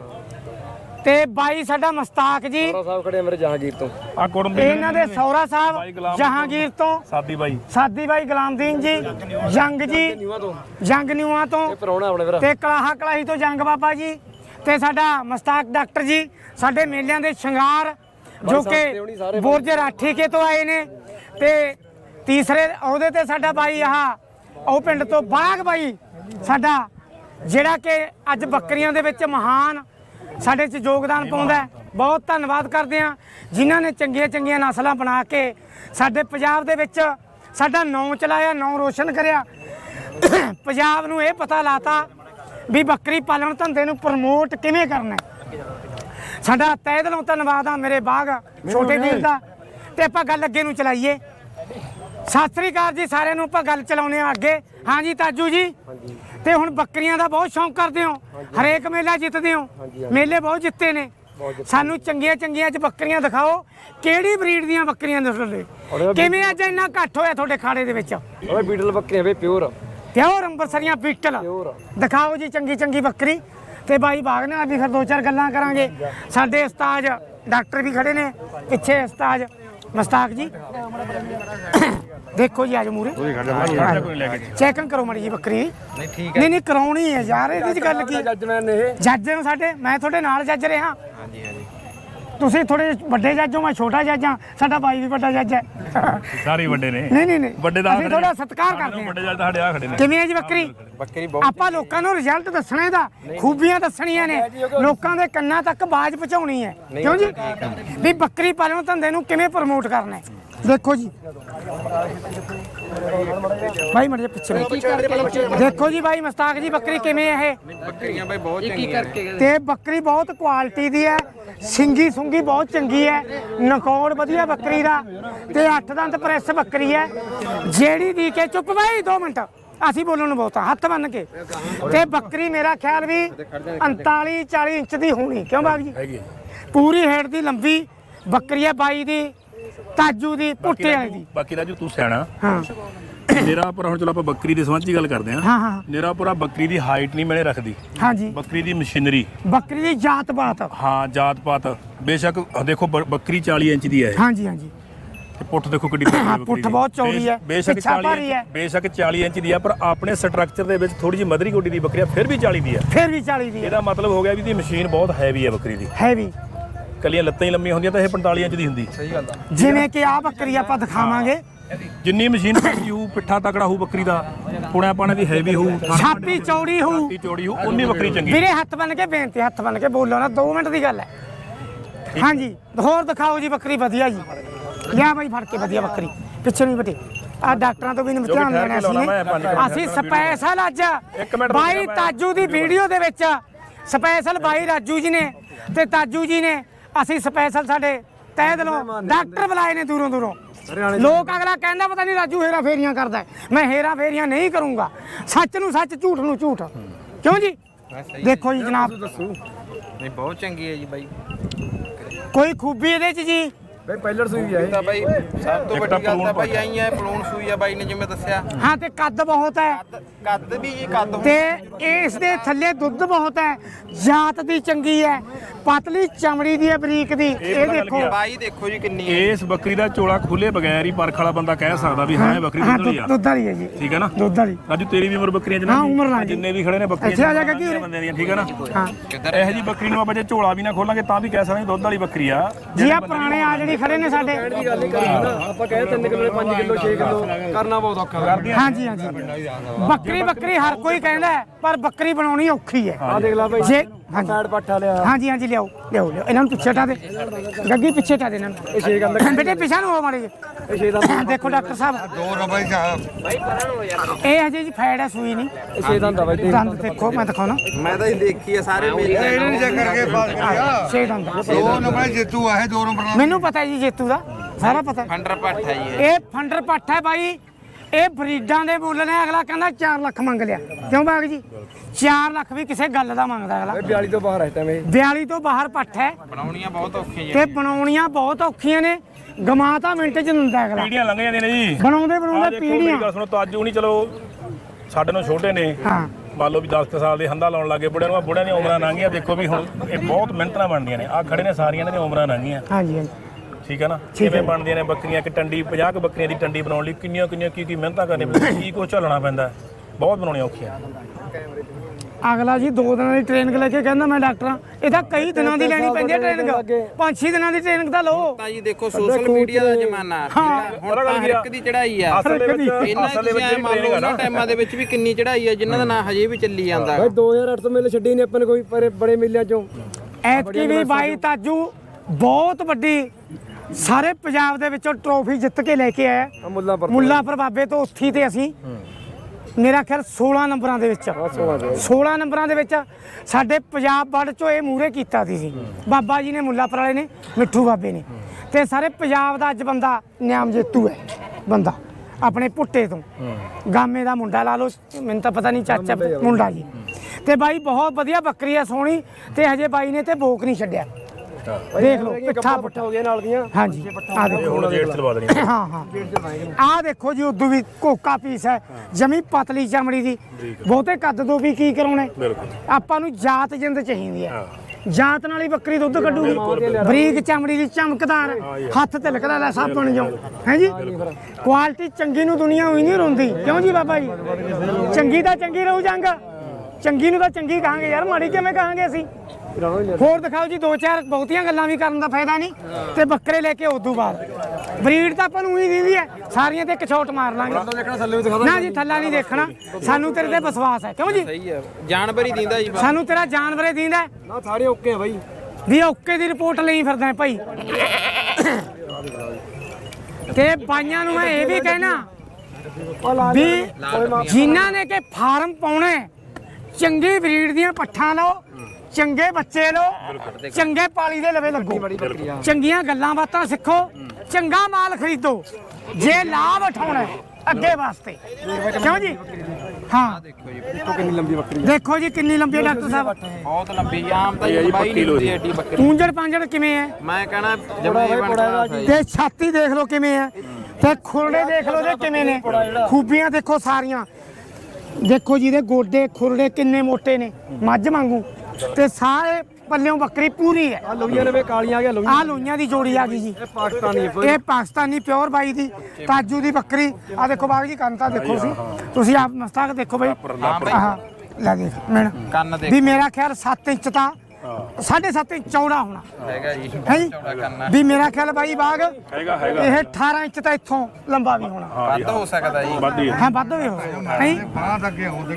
Speaker 1: ਤੇ ਬਾਈ ਸਾਡਾ ਮਸਤਾਕ ਜੀ
Speaker 2: सारा साहब खड़े मेरे जहांगीर तो
Speaker 3: ਆ ਕੁੜਮ
Speaker 1: ਇਹਨਾਂ ਦੇ ਸੌਰਾ ਸਾਹਿਬ ਜਹਾਂਗੀਰ ਤੋਂ
Speaker 3: ਸਾਦੀ ਬਾਈ
Speaker 1: ਸਾਦੀ ਬਾਈ ਗੁਲਾਮਦੀਨ ਜੀ ਜੰਗ ਜੀ
Speaker 2: न्यूआ तो
Speaker 1: ਜੰਗ ਨਿਊਆਂ ਤੋਂ
Speaker 2: ये परौना अपने फिर
Speaker 1: ਤੇ ਕਲਾਹਾ ਕਲਾਹੀ ਤੋਂ ਜੰਗ ਬਾਬਾ ਜੀ ਤੇ ਸਾਡਾ ਮਸਤਾਕ ਡਾਕਟਰ ਜੀ ਸਾਡੇ ਮੇਲਿਆਂ ਦੇ ਸ਼ਿੰਗਾਰ ਜੋ ਕਿ ਬੁਰਜ ਰਾਠੀਕੇ ਤੋਂ ਆਏ ਨੇ ਤੇ ਤੀਸਰੇ ਅਹੁਦੇ ਤੇ ਸਾਡਾ ਬਾਈ ਆਹ ਉਹ ਪਿੰਡ ਤੋਂ ਬਾਗ ਬਾਈ ਸਾਡਾ ਜਿਹੜਾ ਕਿ ਅੱਜ ਬੱਕਰੀਆਂ ਦੇ ਵਿੱਚ ਮਹਾਨ ਸਾਡੇ 'ਚ ਯੋਗਦਾਨ ਪਾਉਂਦਾ ਹੈ। ਬਹੁਤ ਧੰਨਵਾਦ ਕਰਦੇ ਆ ਜਿਨ੍ਹਾਂ ਨੇ ਚੰਗੀਆਂ ਚੰਗੀਆਂ ਨਸਲਾਂ ਬਣਾ ਕੇ ਸਾਡੇ ਪੰਜਾਬ ਦੇ ਵਿੱਚ ਸਾਡਾ ਨਾਂ ਚਲਾਇਆ ਨਾਂ ਰੋਸ਼ਨ ਕਰਿਆ ਪੰਜਾਬ ਨੂੰ ਇਹ ਪਤਾ ਲਾਤਾ ਵੀ ਬੱਕਰੀ ਪਾਲਣ ਧੰਦੇ ਨੂੰ ਪ੍ਰਮੋਟ ਕਿਵੇਂ ਕਰਨਾ ਹੈ। ਸਾਡਾ ਤਹਿ ਦਿਲੋਂ ਧੰਨਵਾਦ ਆ ਮੇਰੇ ਬਾਗ ਛੋਟੇ ਵੀਰ ਦਾ ਤੇ ਆਪਾਂ ਗੱਲ ਅੱਗੇ ਨੂੰ ਚਲਾਈਏ। ਸਤਿ ਸ੍ਰੀ ਅਕਾਲ ਜੀ ਸਾਰਿਆਂ ਨੂੰ ਆਪਾਂ ਗੱਲ ਚਲਾਉਨੇ ਆ ਅੱਗੇ। ਹਾਂਜੀ ਤਾਜੂ ਜੀ ਤੇ ਹੁਣ ਬੱਕਰੀਆਂ ਦਾ ਬਹੁਤ ਸ਼ੌਂਕ ਕਰਦੇ ਹੋ ਹਰੇਕ ਮੇਲਾ ਜਿੱਤਦੇ ਹੋ ਮੇਲੇ ਬਹੁਤ ਜਿੱਤੇ ਨੇ ਸਾਨੂੰ ਚੰਗੀਆਂ ਚੰਗੀਆਂ ਚ ਬੱਕਰੀਆਂ ਦਿਖਾਓ ਕਿਹੜੀ ਬਰੀਡ ਦੀਆਂ ਬੱਕਰੀਆਂ ਦੱਸੋਗੇ ਕਿਵੇਂ ਅੱਜ ਇੰਨਾ ਇਕੱਠ ਹੋਇਆ ਤੁਹਾਡੇ ਖਾੜੇ ਦੇ ਵਿੱਚ
Speaker 2: ओए बीटल बकरियां वे प्योर
Speaker 1: ਪਿਓਰ ਅੰਬਰਸਰੀਆਂ ਬੀਟਲ
Speaker 2: प्योर
Speaker 1: ਦਿਖਾਓ ਜੀ ਚੰਗੀ ਚੰਗੀ ਬੱਕਰੀ ਤੇ ਬਾਈ ਬਾਗ ਨਾਲ ਵੀ ਫਿਰ ਦੋ ਚਾਰ ਗੱਲਾਂ ਕਰਾਂਗੇ ਸਾਡੇ ਉਸਤਾਦ ਡਾਕਟਰ ਵੀ ਖੜੇ ਨੇ ਪਿੱਛੇ ਉਸਤਾਦ ਮਸਤਾਕ ਜੀ ਦੇਖੋ ਜੀ ਅੱਜ ਮੂਰੇ ਚੈਕਿੰਗ ਕਰੋ ਮੜੀ ਜੀ ਬੱਕਰੀ
Speaker 2: नहीं ठीक
Speaker 1: ਨਹੀਂ ਨਹੀਂ ਕਰਾਉਣੀ ਹੈ ਯਾਰ ਇਹਦੀ ਚ ਗੱਲ ਕੀ
Speaker 2: जजमेंट ये
Speaker 1: ਜੱਜ ਨੂੰ ਸਾਡੇ ਮੈਂ ਤੁਹਾਡੇ ਨਾਲ ਜੱਜ ਰਿਹਾ
Speaker 2: हां जी हां जी
Speaker 1: ਤੁਸੀਂ ਥੋੜੇ ਵੱਡੇ ਜੱਜ ਹੋ ਮੈਂ ਛੋਟਾ ਜੱਜ ਹਾਂ ਸਾਡਾ ਬਾਈ ਵੀ ਵੱਡਾ ਜੱਜ ਹੈ
Speaker 3: ਸਾਰੇ ਵੱਡੇ ਨੇ
Speaker 1: ਨਹੀਂ ਨਹੀਂ ਨਹੀਂ
Speaker 3: ਵੱਡੇ ਦਾ
Speaker 1: ਅਸੀਂ ਥੋੜਾ ਸਤਿਕਾਰ ਕਰਦੇ ਹਾਂ
Speaker 3: ਵੱਡੇ ਜੱਜ ਸਾਡੇ ਆ ਖੜੇ ਨੇ
Speaker 1: ਕਿਵੇਂ ਹੈ ਜੀ ਬੱਕਰੀ
Speaker 2: बकरी बहुत
Speaker 1: ਆਪਾਂ ਲੋਕਾਂ ਨੂੰ ਰਿਜ਼ਲਟ ਦੱਸਣਾ ਇਹਦਾ ਖੂਬੀਆਂ ਦੱਸਣੀਆਂ ਨੇ ਲੋਕਾਂ ਦੇ ਕੰਨਾਂ ਤੱਕ ਆਵਾਜ਼ ਪਹੁੰਚਾਉਣੀ ਹੈ ਕਿਉਂ ਜੀ ਵੀ ਬੱਕਰੀ ਪਾਲਣ ਧੰਦੇ ਨੂੰ ਕਿਵੇਂ ਪ੍ਰਮੋਟ ਕਰਨਾ ਹੈ ਦੇਖੋ ਜੀ ਭਾਈ ਮੜੇ ਪਿੱਛੇ ਦੇਖੋ ਜੀ ਭਾਈ ਮਸਤਾਕ ਜੀ ਬੱਕਰੀ ਕਿਵੇਂ ਹੈ ਇਹ
Speaker 2: बकरियां भाई बहुत चंगी हैं
Speaker 1: ਤੇ ਬੱਕਰੀ ਬਹੁਤ ਕੁਆਲਿਟੀ ਦੀ ਹੈ ਸਿੰਗੀ ਸੁੰਗੀ ਬਹੁਤ ਚੰਗੀ ਹੈ ਨਕੌੜ ਵਧੀਆ ਬੱਕਰੀ ਦਾ ਤੇ ਅੱਠ ਦੰਦ ਪ੍ਰੈਸ ਬੱਕਰੀ ਹੈ ਜਿਹੜੀ ਦੀ ਕੇ ਚੁੱਪ ਬਾਈ ਦੋ ਮਿੰਟ ਅਸੀਂ ਬੋਲਣ ਨੂੰ ਬਹੁਤਾ ਹੱਥ ਬੰਨ ਕੇ ਤੇ ਬੱਕਰੀ ਮੇਰਾ ਖਿਆਲ ਵੀ ਉਨਤਾਲੀ ਚਾਲੀ ਇੰਚ ਦੀ ਹੋਣੀ ਕਿਉਂ ਬਾਗ ਜੀ ਪੂਰੀ ਹੈਡ ਦੀ ਲੰਬੀ ਬੱਕਰੀ ਹੈ ਬਾਈ ਦੀ ਤਾਜੂ ਦੀ ਪੁੱਟੇ ਵਾਲੀ ਦੀ
Speaker 3: ਬਾਕੀ ਰਾਜੂ ਤੂੰ ਸਿਆਣਾ
Speaker 1: ਹਾਂ
Speaker 3: ਮੇਰਾ ਪਰ ਹੁਣ ਚਲੋ ਆਪਾਂ ਬੱਕਰੀ ਦੇ ਸੰਬੰਧ 'ਚ ਗੱਲ ਕਰਦੇ ਹਾਂ
Speaker 1: ਹਾਂ ਹਾਂ
Speaker 3: ਮੇਰਾ ਪੂਰਾ ਬੱਕਰੀ ਦੀ ਹਾਈਟ ਨਹੀਂ ਮੈਨੇ ਰੱਖਦੀ
Speaker 1: ਹਾਂਜੀ
Speaker 3: ਬੱਕਰੀ ਦੀ ਮਸ਼ੀਨਰੀ
Speaker 1: ਬੱਕਰੀ ਦੀ ਜਾਤ ਬਾਤ
Speaker 3: ਹਾਂ ਜਾਤ ਪਾਤ ਬੇਸ਼ੱਕ ਦੇਖੋ ਬ- ਬੱਕਰੀ ਚਾਲੀ ਇੰਚ ਦੀ ਹੈ ਇਹ।
Speaker 1: ਹਾਂਜੀ ਹਾਂਜੀ
Speaker 3: ਤੇ ਪੁੱਠ ਦੇਖੋ ਕਿੱਡੀ ਵੱਡੀ ਹੈ ਬੱਕਰੀ
Speaker 1: ਪੁੱਠ
Speaker 3: ਦੀ।
Speaker 1: ਬਹੁਤ ਚੌੜੀ ਹੈ,
Speaker 3: ਬੇਸ਼ੱਕ
Speaker 1: ਪਿੱਛਾ
Speaker 3: ਚਾਲੀ
Speaker 1: ਭਾਰੀ ਹੈ।
Speaker 3: ਇੰਚ ਬੇਸ਼ੱਕ ਚਾਲੀ ਇੰਚ ਦੀ ਹੈ ਪਰ ਆਪਣੇ ਸਟਰਕਚਰ ਦੇ ਵਿੱਚ ਥੋੜੀ ਜਿਹੀ ਮਧਰੀ ਗੋਡੀ ਦੀ ਬੱਕਰੀ ਆ ਫਿਰ ਵੀ ਚਾਲੀ ਦੀ ਹੈ
Speaker 1: ਫਿਰ ਵੀ ਚਾਲੀ ਦੀ ਹੈ
Speaker 3: ਇਹਦਾ ਮਤਲਬ ਹੋ ਗਿਆ ਵੀ ਇਹਦੀ ਮਸ਼ੀਨ ਬਹੁਤ ਹੈਵੀ ਹੈ ਬੱਕਰੀ ਦੀ
Speaker 1: ਹੈਵੀ
Speaker 3: ਕੱਲੀਆਂ ਲੱਤਾਂ ਹੀ ਲੰਮੀਆਂ ਹੁੰਦੀਆਂ ਤਾਂ ਇਹ ਪੰਤਾਲੀ ਇੰਚ ਦੀ ਹੁੰਦੀ
Speaker 2: सही गल है
Speaker 1: ਜਿਵੇਂ ਕਿ ਆ ਬੱਕਰੀ ਆਪਾਂ ਦਿਖਾਵਾਂਗੇ
Speaker 3: ਜਿੰਨੀ ਮਸ਼ੀਨ ਵੱਡੀ ਹੋਊ ਪਿੱਠਾ ਤਕੜਾ ਹੋਊ ਬੱਕਰੀ ਦਾ ਪੁਣਾ ਪਾਣੇ ਦੀ ਹੈਵੀ ਹੋਊ
Speaker 1: ਛਾਤੀ ਚੌੜੀ ਹੋਊ
Speaker 3: ਛਾਤੀ ਚੌੜੀ ਹੋਊ ਉਨੀ ਬੱਕਰੀ ਚੰਗੀ
Speaker 1: ਵੀਰੇ ਹੱਥ ਬੰਨ ਕੇ ਬੇਨਤੀ ਹੱਥ ਬੰਨ ਕੇ ਬੋਲੋ ਨਾ ਦੋ ਮਿੰਟ ਦੀ ਗੱਲ ਹੈ ਹਾਂਜੀ ਹੋਰ ਦਿਖਾਓ ਜੀ ਬੱਕਰੀ ਵਧੀਆ ਜੀ ਲਿਆ ਬਾਈ ਫੜ ਕੇ ਵਧੀਆ ਬੱਕਰੀ ਪਿੱਛੇ ਨਹੀਂ ਬਟੇ ਆ ਡਾਕਟਰਾਂ ਤੋਂ ਵੀ ਨਹੀਂ ਧਿਆਨ ਦੇਣਾ ਸੀ ਅਸੀਂ ਸਪੈਸ਼ਲ ਅੱਜ ਬਾਈ ਤਾਜੂ ਦੀ ਵੀਡੀਓ ਦੇ ਵਿੱਚ ਸਪੈਸ਼ਲ ਬਾਈ ਰਾਜੂ ਜੀ ਨੇ ਤੇ ਤਾਜੂ ਜੀ ਨੇ ਅਸੀਂ ਸਪੈਸ਼ਲ ਸਾਡੇ ਤਹਿ ਦਿਲੋਂ ਡਾਕਟਰ ਬੁਲਾਏ ਨੇ ਦੂਰੋਂ ਦੂਰੋਂ ਲੋਕ ਅਗਲਾ ਕਹਿੰਦਾ ਪਤਾ ਨਹੀਂ ਰਾਜੂ ਹੇਰਾ ਫੇਰੀਆਂ ਕਰਦਾ ਹੈ। ਮੈਂ ਹੇਰਾ ਫੇਰੀਆਂ ਨਹੀਂ ਕਰੂੰਗਾ ਸੱਚ ਨੂੰ ਸੱਚ ਝੂਠ ਨੂੰ ਝੂਠ ਕਿਉਂ ਜੀ ਦੇਖੋ ਜੀ ਜਨਾਬ
Speaker 2: नहीं बहुत चंगी है जी भाई
Speaker 1: ਕੋਈ ਖੂਬੀ ਇਹਦੇ ਚ ਜੀ
Speaker 4: ਬਈ ਪਹਿਲਰ ਸੂਈ ਹੈ
Speaker 2: ਤਾਂ ਬਾਈ ਸਭ ਤੋਂ ਵੱਡੀ ਗੱਲ ਤਾਂ ਬਾਈ ਆਈ ਹੈ ਪਲੂਣ ਸੂਈ ਆ ਬਾਈ ਨੇ ਜਿਵੇਂ ਦੱਸਿਆ।
Speaker 1: ਹਾਂ ਤੇ ਕੱਦ ਬਹੁਤ ਹੈ
Speaker 2: ਕੱਦ ਵੀ ਜੀ ਕੱਦ
Speaker 1: ਤੇ ਇਸ ਦੇ ਥੱਲੇ ਦੁੱਧ ਬਹੁਤ ਹੈ, ਜਾਤ ਦੀ ਚੰਗੀ ਹੈ, ਪਤਲੀ ਚਮੜੀ ਦੀ ਹੈ, ਬਰੀਕ ਦੀ। ਇਹ ਦੇਖੋ
Speaker 2: ਬਾਈ ਦੇਖੋ ਜੀ ਕਿੰਨੀ ਹੈ।
Speaker 3: ਇਸ ਬੱਕਰੀ ਦਾ ਚੋਲਾ ਖੁੱਲੇ ਬਗੈਰ ਹੀ ਪਰਖ ਵਾਲਾ ਬੰਦਾ ਕਹਿ ਸਕਦਾ ਵੀ ਹਾਂ ਇਹ ਬੱਕਰੀ
Speaker 1: ਹਾਂ
Speaker 3: ਦੁੱਧ ਵਾਲੀ ਆ।
Speaker 1: ਦੁੱਧ ਵਾਲੀ ਹੈ ਜੀ,
Speaker 3: ਠੀਕ ਹੈ ਨਾ
Speaker 1: ਦੁੱਧ ਵਾਲੀ।
Speaker 3: ਰਾਜੂ ਤੇਰੀ ਵੀ ਉਮਰ ਬੱਕਰੀਆਂ ਚ
Speaker 1: ਹਾਂ, ਉਮਰ ਨਾਲ ਜੀ।
Speaker 3: ਜਿੰਨੇ ਵੀ ਖੜੇ ਨੇ ਬੱਕਰੀਆਂ
Speaker 1: ਇੱਥੇ ਆ ਜਾ ਕੇ ਕੀ
Speaker 3: ਬੰਦੇ ਦੀਆਂ, ਠੀਕ ਹੈ ਨਾ।
Speaker 1: ਹਾਂ
Speaker 3: ਇਹੋ ਜੀ ਬੱਕਰੀ ਨੂੰ ਆਪਾਂ ਜੇ ਝੋਲਾ ਵੀ ਨਾ ਖੋਲਾਂਗੇ ਤਾਂ ਵੀ ਕਹਿ ਸਕਦੇ ਦੁੱਧ ਵਾਲੀ ਬੱਕਰੀ ਆ।
Speaker 1: ਜੀ ਆ ਪੁਰਾਣੇ ਆ ਜਿਹੜੀ ਖੜੇ ਨੇ ਸਾਡੇ।
Speaker 4: ਆਪਾਂ ਕਹੇ ਤਿੰਨ ਕਿਲੋ ਪੰਜ ਕਿਲੋ ਛੇ ਕਿਲੋ ਕਰਨਾ ਬਹੁਤ ਔਖਾ ਕਰਦੇ
Speaker 1: ਹਾਂਜੀ ਹਾਂਜੀ ਬੱਕਰੀ ਬੱਕਰੀ ਹਰ ਕੋਈ ਕਹਿੰਦਾ ਹੈ, ਪਰ ਬੱਕਰੀ ਬਣਾਉਣੀ ਔਖੀ ਹੈ।
Speaker 4: ਆ ਦੇਖ ਲੈ ਭਾਈ
Speaker 1: ਜੇ ਹਾਂਜੀ
Speaker 4: ਸਾਈਡ ਪੱਠਾ ਲਿਆ
Speaker 1: ਹਾਂਜੀ ਹਾਂਜੀ ਲਿਆਓ ਲਿਆਓ ਲਿਆਓ ਇਹਨਾਂ ਨੂੰ ਪਿੱਛੇ ਟਾ ਦੇ ਗੱਗੀ ਪਿੱਛੇ ਟਾ ਦੇ ਇਹਨਾਂ ਨੂੰ।
Speaker 4: ਇਹ ਛੇ ਗੱਲ
Speaker 1: ਬੇਟੇ ਪਿੱਛੇ ਨੂੰ ਹੋ ਮਾੜੇ ਜੀ।
Speaker 4: ਇਹ ਛੇ ਦੰਦ
Speaker 1: ਦੇਖੋ ਡਾਕਟਰ ਸਾਹਿਬ
Speaker 5: ਦੋ ਰੁਪਏ ਸਾਹਿਬ
Speaker 1: ਇਹ ਹਜੇ ਜੀ ਫੈੜ ਹੈ, ਸੂਈ ਨਹੀਂ।
Speaker 4: ਇਹ ਛੇ ਦੰਦ ਆ ਬਾਈ
Speaker 1: ਦੰਦ ਦੇਖੋ ਮੈਂ ਦਿਖਾਉਣਾ
Speaker 2: ਮੈਂ ਤਾਂ ਇਹ ਦੇਖੀ ਆ ਸਾਰੇ ਮੇਲੇ
Speaker 5: ਇਹਨੇ ਚੈੱਕ ਕਰਕੇ ਪਾਸ ਕਰਿਆ
Speaker 1: ਛੇ ਦੰਦ
Speaker 5: ਦੋ ਨੰਬਰ ਜੇਤੂ ਆ ਇਹ ਦੋ ਨੰਬਰ
Speaker 1: ਮੈਨੂੰ ਪਤਾ ਹੈ ਜੀ ਜੇਤੂ ਦਾ ਸਾਰਾ ਪਤਾ।
Speaker 2: ਫੰਡਰ ਪੱਠ ਹੈ ਜੀ
Speaker 1: ਇਹ ਫੰਡਰ ਪੱਠ ਹੈ ਬਾਈ। ਇਹ ਬਰੀਡਾਂ ਦੇ ਮੁੱਲ ਨੇ, ਅਗਲਾ ਕਹਿੰਦਾ ਚਾਰ ਲੱਖ ਮੰਗ ਲਿਆ। ਕਿਉਂ ਬਾਗ ਜੀ ਚਾਰ ਲੱਖ ਵੀ ਕਿਸੇ ਗੱਲ ਦਾ ਮੰਗਦਾ ਅਗਲਾ।
Speaker 4: ਬਿਆਲੀ ਤੋਂ ਬਾਹਰ ਹੈ ਤਾਂ ਇਹ
Speaker 1: ਬਿਆਲੀ ਤੋਂ ਬਾਹਰ ਪੱਠ ਹੈ
Speaker 2: ਬਣਾਉਣੀਆਂ ਬਹੁਤ ਔਖੀਆਂ ਜੀ।
Speaker 1: ਤੇ ਬਣਾਉਣੀਆਂ ਬਹੁਤ ਔਖੀਆਂ ਨੇ। ਗਮਾ ਤਾਂ ਮਿੰਟ ਚ ਦਿੰਦਾ ਅਗਲਾ।
Speaker 3: ਪੀੜੀਆਂ ਲੰਘ ਜਾਂਦੀਆਂ ਨੇ ਜੀ।
Speaker 1: ਬਣਾਉਂਦੇ
Speaker 3: ਆਹ
Speaker 1: ਬਣਾਉਂਦੇ
Speaker 3: ਦੇਖੋ ਮੇਰੀ
Speaker 1: ਪੀੜੀਆਂ।
Speaker 3: ਗੱਲ ਸੁਣੋ, ਤਾਜੂ ਨਹੀਂ ਚਲੋ ਸਾਡੇ ਨੂੰ ਛੋਟੇ ਨੇ,
Speaker 1: ਹਾਂ
Speaker 3: ਮੰਨ ਲਓ ਵੀ ਦਸ ਕੁ ਸਾਲ ਦੇ ਹੰਦਾ ਲਾਉਣ ਲੱਗੇ ਬੁੜਿਆਂ ਨੂੰ। ਆ ਬੁੜਿਆਂ ਦੀਆਂ ਉਮਰਾਂ ਲੰਘੀਆਂ, ਦੇਖੋ ਵੀ ਹੁਣ ਇਹ ਬਹੁਤ ਮਿਹਨਤ ਨਾਲ ਬਣਦੀਆਂ ਨੇ। ਆ ਖੜੇ ਨੇ ਸਾਰੀਆਂ ਦੀਆਂ ਉਮਰਾਂ ਲੰਘੀਆਂ,
Speaker 1: ਹਾਂਜੀ ਹਾਂਜੀ
Speaker 3: ਠੀਕ ਹੈ ਨਾ। ਕਿਵੇਂ ਬਣਦੀਆਂ ਨੇ ਬੱਕਰੀਆਂ, ਕਿ ਟੰਡੀ ਪੰਜਾਹ ਕੁ ਬੱਕਰੀਆਂ ਦੀ ਟੰਡੀ ਬਣਾਉਣ ਲਈ ਕਿੰਨੀਆਂ ਕਿੰਨੀਆਂ ਕੀ ਕੀ ਮਿਹਨਤਾਂ ਕਰਨੀਆਂ ਪੈਂਦੀਆਂ, ਕੀ ਕੁਛ ਝੱਲਣਾ ਪੈਂਦਾ, ਬਹੁਤ ਬਣਾਉਣੀਆਂ ਔਖੀਆਂ।
Speaker 1: ਅਗਲਾ ਜੀ ਦੋ ਦਿਨਾਂ ਦੀ ਟ੍ਰੇਨਿੰਗ ਲੈ ਕੇ ਕਹਿੰਦਾ ਮੈਂ ਡਾਕਟਰ ਹਾਂ। ਇਹ ਤਾਂ ਕਈ ਦਿਨਾਂ ਦੀ ਲੈਣੀ ਪੈਂਦੀ ਹੈ ਟ੍ਰੇਨਿੰਗ। ਪੰਜ ਛੇ ਦਿਨਾਂ ਦੀ ਟ੍ਰੇਨਿੰਗ ਤਾਂ ਲਓ।
Speaker 2: ਤਾਂ ਜੀ ਦੇਖੋ ਸੋਸ਼ਲ ਮੀਡੀਆ ਦਾ ਜ਼ਮਾਨਾ ਠੀਕ ਆ। ਹੁਣ ਤਾਂ ਹਰ ਇੱਕ ਦੀ ਚੜਾਈ ਆ।
Speaker 3: ਅਸਲ ਦੇ ਵਿੱਚ
Speaker 2: ਇਹਨਾਂ
Speaker 3: ਅਸਲ ਦੇ ਵਿੱਚ
Speaker 2: ਤੁਸੀਂ ਮੰਨ ਲਓ ਉਹਨਾਂ ਟਾਈਮਾਂ ਦੇ ਵਿੱਚ ਵੀ ਕਿੰਨੀ ਚੜਾਈ ਆ ਜਿਨ੍ਹਾਂ ਦਾ ਨਾਂ ਹਜੇ ਵੀ ਚੱਲੀ ਜਾਂਦਾ।
Speaker 4: ਬਾਈ ਦੋ ਹਜ਼ਾਰ ਅੱਠ ਸੌ ਮੇਲੇ ਛੱਡੀ ਨੇ ਆਪਾਂ ਨੇ ਕੋਈ ਪਰ ਬੜੇ ਮੇਲਿਆਂ ਚੋਂ।
Speaker 1: ਐਤਕੀ ਵੀ ਬਾਈ ਤਾਜੂ ਬਹੁਤ ਵੱਡੀ ਸਾਰੇ ਪੰਜਾਬ ਦੇ ਵਿੱਚੋਂ ਟਰੋਫੀ ਜਿੱਤ ਕੇ ਲੈ ਕੇ ਆਇਆ।
Speaker 4: ਆ ਮੁੱਲਾ ਪਰ
Speaker 1: ਮੁੱਲਾਪੁਰ ਬਾਬੇ ਤੋਂ ਉੱਥੀ ਤੇ ਅਸੀਂ ਮੇਰਾ ਖਿਆਲ ਸੋਲਾਂ ਨੰਬਰਾਂ ਦੇ ਵਿੱਚ ਸੋਲਾਂ ਨੰਬਰਾਂ ਦੇ ਵਿੱਚ ਸਾਡੇ ਪੰਜਾਬ ਬੜ ਚੋਂ ਇਹ ਮੂਹਰੇ ਕੀਤਾ ਸੀ। ਬਾਬਾ ਜੀ ਨੇ ਮੁੱਲਾਪੁਰ ਵਾਲੇ ਨੇ, ਮਿੱਠੂ ਬਾਬੇ ਨੇ, ਤੇ ਸਾਰੇ ਪੰਜਾਬ ਦਾ ਅੱਜ ਬੰਦਾ ਨਿਆਮ ਜੇਤੂ ਹੈ ਬੰਦਾ ਆਪਣੇ ਪੁੱਟੇ ਤੋਂ। ਗਾਮੇ ਦਾ ਮੁੰਡਾ ਲਾ ਲਓ, ਮੈਨੂੰ ਤਾਂ ਪਤਾ ਨਹੀਂ ਚਾਚਾ ਮੁੰਡਾ ਜੀ। ਤੇ ਬਾਈ ਬਹੁਤ ਵਧੀਆ ਬੱਕਰੀ ਹੈ, ਸੋਹਣੀ। ਤੇ ਹਜੇ ਬਾਈ ਨੇ ਤੇ ਬੋਕ ਨਹੀਂ ਛੱਡਿਆ। ਦੇਖ ਲਓ ਪਿੱਠਾ ਪੁੱਠਾ
Speaker 4: ਹੋ ਗਿਆ ਨਾਲ ਦੀਆਂ।
Speaker 1: ਹਾਂਜੀ ਆ ਦੇਖੋ
Speaker 3: ਹੁਣ ਜੇਠ ਚਲਵਾ ਦੇਣੀ।
Speaker 1: ਹਾਂ ਹਾਂ ਆ ਦੇਖੋ ਜੀ ਉਦੋਂ ਵੀ ਕੋਕਾ ਪੀਸ ਹੈ, ਜਮੀ ਪਤਲੀ ਚਮੜੀ ਦੀ। ਬਹੁਤੇ ਕੱਦ ਤੋਂ ਵੀ ਕੀ ਕਰਾਉਣੇ। ਆਪਾਂ ਨੂੰ ਜਾਤ ਜਿੰਦ ਚਾਹੀਦੀ ਹੈ, ਜਾਤ ਨਾਲ ਹੀ ਬੱਕਰੀ ਦੁੱਧ ਕੱਢੂਗੀ। ਬਰੀਕ ਚਮੜੀ ਦੀ ਚਮਕਦਾਰ, ਹੱਥ ਤੇ ਲਿਖਦਾ ਲੈ ਸਾਬਣ ਜੋ ਹੈ ਜੀ। ਕੁਆਲਿਟੀ ਚੰਗੀ ਨੂੰ ਦੁਨੀਆ ਹੋਈ ਨਹੀਂ ਰੋਂਦੀ। ਕਿਉਂ ਜੀ ਬਾਬਾ ਜੀ, ਚੰਗੀ ਤਾਂ ਚੰਗੀ ਰਹੂ ਜੰਗ। ਚੰਗੀ ਨੂੰ ਤਾਂ ਚੰਗੀ ਕਹਾਂਗੇ ਯਾਰ, ਮਾੜੀ ਕਿਵੇਂ ਕਹਾਂਗੇ ਅਸੀਂ। ਹੋਰ ਦਿਖਾਓ ਜੀ, ਦੋ ਚਾਰ ਬਹੁਤੀਆਂ ਗੱਲਾਂ ਵੀ ਕਰਨ ਦਾ ਫਾਇਦਾ ਨਹੀਂ। ਤੇ ਬੱਕਰੇ ਲੈ ਕੇ ਉਦੋਂ ਬਾਅਦ ਬਰੀਡ ਤਾਂ ਆਪਾਂ ਨੂੰ ਹੀ ਦੀਦੀ ਹੈ, ਸਾਰੀਆਂ ਤੇ ਇੱਕ ਛੋਟ ਮਾਰ ਲਾਂਗੇ ਨਾ ਜੀ। ਥੱਲਾ ਨਹੀਂ ਦੇਖਣਾ, ਸਾਨੂੰ ਤੇਰੇ ਤੇ ਵਿਸ਼ਵਾਸ ਹੈ। ਕਿਉਂ ਜੀ,
Speaker 2: ਸਹੀ ਆ, ਜਾਨਵਰ ਹੀ ਦਿੰਦਾ ਜੀ।
Speaker 1: ਸਾਨੂੰ ਤੇਰਾ ਜਾਨਵਰੇ ਦੀਂਦਾ ਹੈ
Speaker 4: ਨਾ ਸਾਰੇ ਓਕੇ ਆ ਬਾਈ।
Speaker 1: ਵੀ ਓਕੇ ਦੀ ਰਿਪੋਰਟ ਲਈ ਫਿਰਦਾ ਭਾਈ। ਤੇ ਬਾਈਆਂ ਨੂੰ ਮੈਂ ਇਹ ਵੀ ਕਹਿਣਾ ਵੀ ਜਿਨ੍ਹਾਂ ਨੇ ਕਿ ਫਾਰਮ ਪਾਉਣੇ, ਚੰਗੀ ਬਰੀਡ ਦੀਆਂ ਪੱਠਾਂ ਲਓ, ਚੰਗੇ ਬੱਚੇ ਲਓ, ਚੰਗੇ ਪਾਲੀ ਦੇ ਲਵੇ ਲੱਗੋ, ਚੰਗੀਆਂ ਗੱਲਾਂ ਬਾਤਾਂ ਸਿੱਖੋ, ਚੰਗਾ ਮਾਲ ਖਰੀਦੋ ਜੇ ਲਾਭ ਉਠਾਉਣਾ ਹੈ ਅੱਗੇ ਵਾਸਤੇ। ਕਿਉਂ ਜੀ, ਹਾਂ
Speaker 4: ਕਿੰਨੀ ਲੰਬੀ ਬੱਕਰੀ
Speaker 1: ਦੇਖੋ ਜੀ ਕਿੰਨੀ ਲੰਬੀ ਹੈ ਡਾਕਟਰ ਸਾਹਿਬ।
Speaker 2: ਬਹੁਤ ਲੰਬੀ ਆਮ ਤਾਂ ਜੀ ਬਾਈ ਨਹੀਂ ਹੁੰਦੀ ਐਡੀ ਬੱਕਰੀ।
Speaker 1: ਪੂੰਝੜ ਪਾਂਝੜ ਕਿਵੇਂ ਹੈ
Speaker 2: ਮੈਂ ਕਹਣਾ ਜਮੇ ਬਣ
Speaker 1: ਤੇ ਛਾਤੀ ਦੇਖ ਲਓ ਕਿਵੇਂ ਹੈ, ਤੇ ਖੁਰੜੇ ਦੇਖ ਲਓ ਦੇ ਕਿਵੇਂ ਨੇ। ਖੂਬੀਆਂ ਦੇਖੋ ਸਾਰੀਆਂ। ਦੇਖੋ ਜੀ ਦੇ ਗੋਡੇ ਖੁਰੜੇ ਕਿੰਨੇ ਮੋਟੇ ਨੇ, ਮੱਝ ਵਾਂਗੂ। ਤੇ ਸਾਰੇ ਪੱਲਿਓਂ ਬੱਕਰੀ ਪੂਰੀ ਹੈ।
Speaker 4: ਆ ਲੋਈਆਂ ਨੇ ਵੇ ਕਾਲੀਆਂ ਆ ਗਿਆ ਲੋਈਆਂ।
Speaker 1: ਆ ਲੋਈਆਂ ਦੀ ਜੋੜੀ ਆ ਗਈ ਜੀ।
Speaker 4: ਇਹ ਪਾਕਿਸਤਾਨੀ
Speaker 1: ਇਹ ਪਾਕਿਸਤਾਨੀ ਪਿਓਰ ਬਾਈ ਦੀ ਤਾਜੂ ਦੀ ਬੱਕਰੀ। ਆ ਦੇਖੋ ਬਾਗ ਜੀ ਕੰਨ ਤਾਂ ਦੇਖੋ ਸੀ ਤੁਸੀਂ, ਆਪ ਮਸਤਾਕ ਦੇਖੋ ਬਈ। ਆਹ ਲੈ ਦੇਖ ਮੈਂ
Speaker 2: ਕੰਨ ਦੇ
Speaker 1: ਵੀ ਮੇਰਾ ਖਿਆਲ ਸੱਤ ਇੰਚ ਤਾਂ ਸਾਢੇ ਸੱਤ ਇੰਚ ਚੌੜਾ ਹੋਣਾ
Speaker 2: ਹੈਗਾ ਜੀ।
Speaker 1: ਹੈ ਜੀ।
Speaker 2: ਚੌੜਾ ਕੰਨ
Speaker 1: ਵੀ ਮੇਰਾ ਖਿਆਲ ਬਾਈ ਬਾਗ
Speaker 3: ਹੈਗਾ ਹੈਗਾ
Speaker 1: ਇਹ ਅਠਾਰਾਂ ਇੰਚ ਤਾਂ ਇੱਥੋਂ ਲੰਬਾ ਵੀ ਹੋਣਾ।
Speaker 2: ਵੱਧ ਹੋ ਸਕਦਾ ਜੀ।
Speaker 3: ਵੱਧੀ
Speaker 1: ਹਾਂ ਵੱਧ ਵੀ ਹੋ ਸਕਦਾ ਹੈ ਜੀ।
Speaker 5: ਬਾਹਰ ਤੱਕ ਆਉਂਦੇ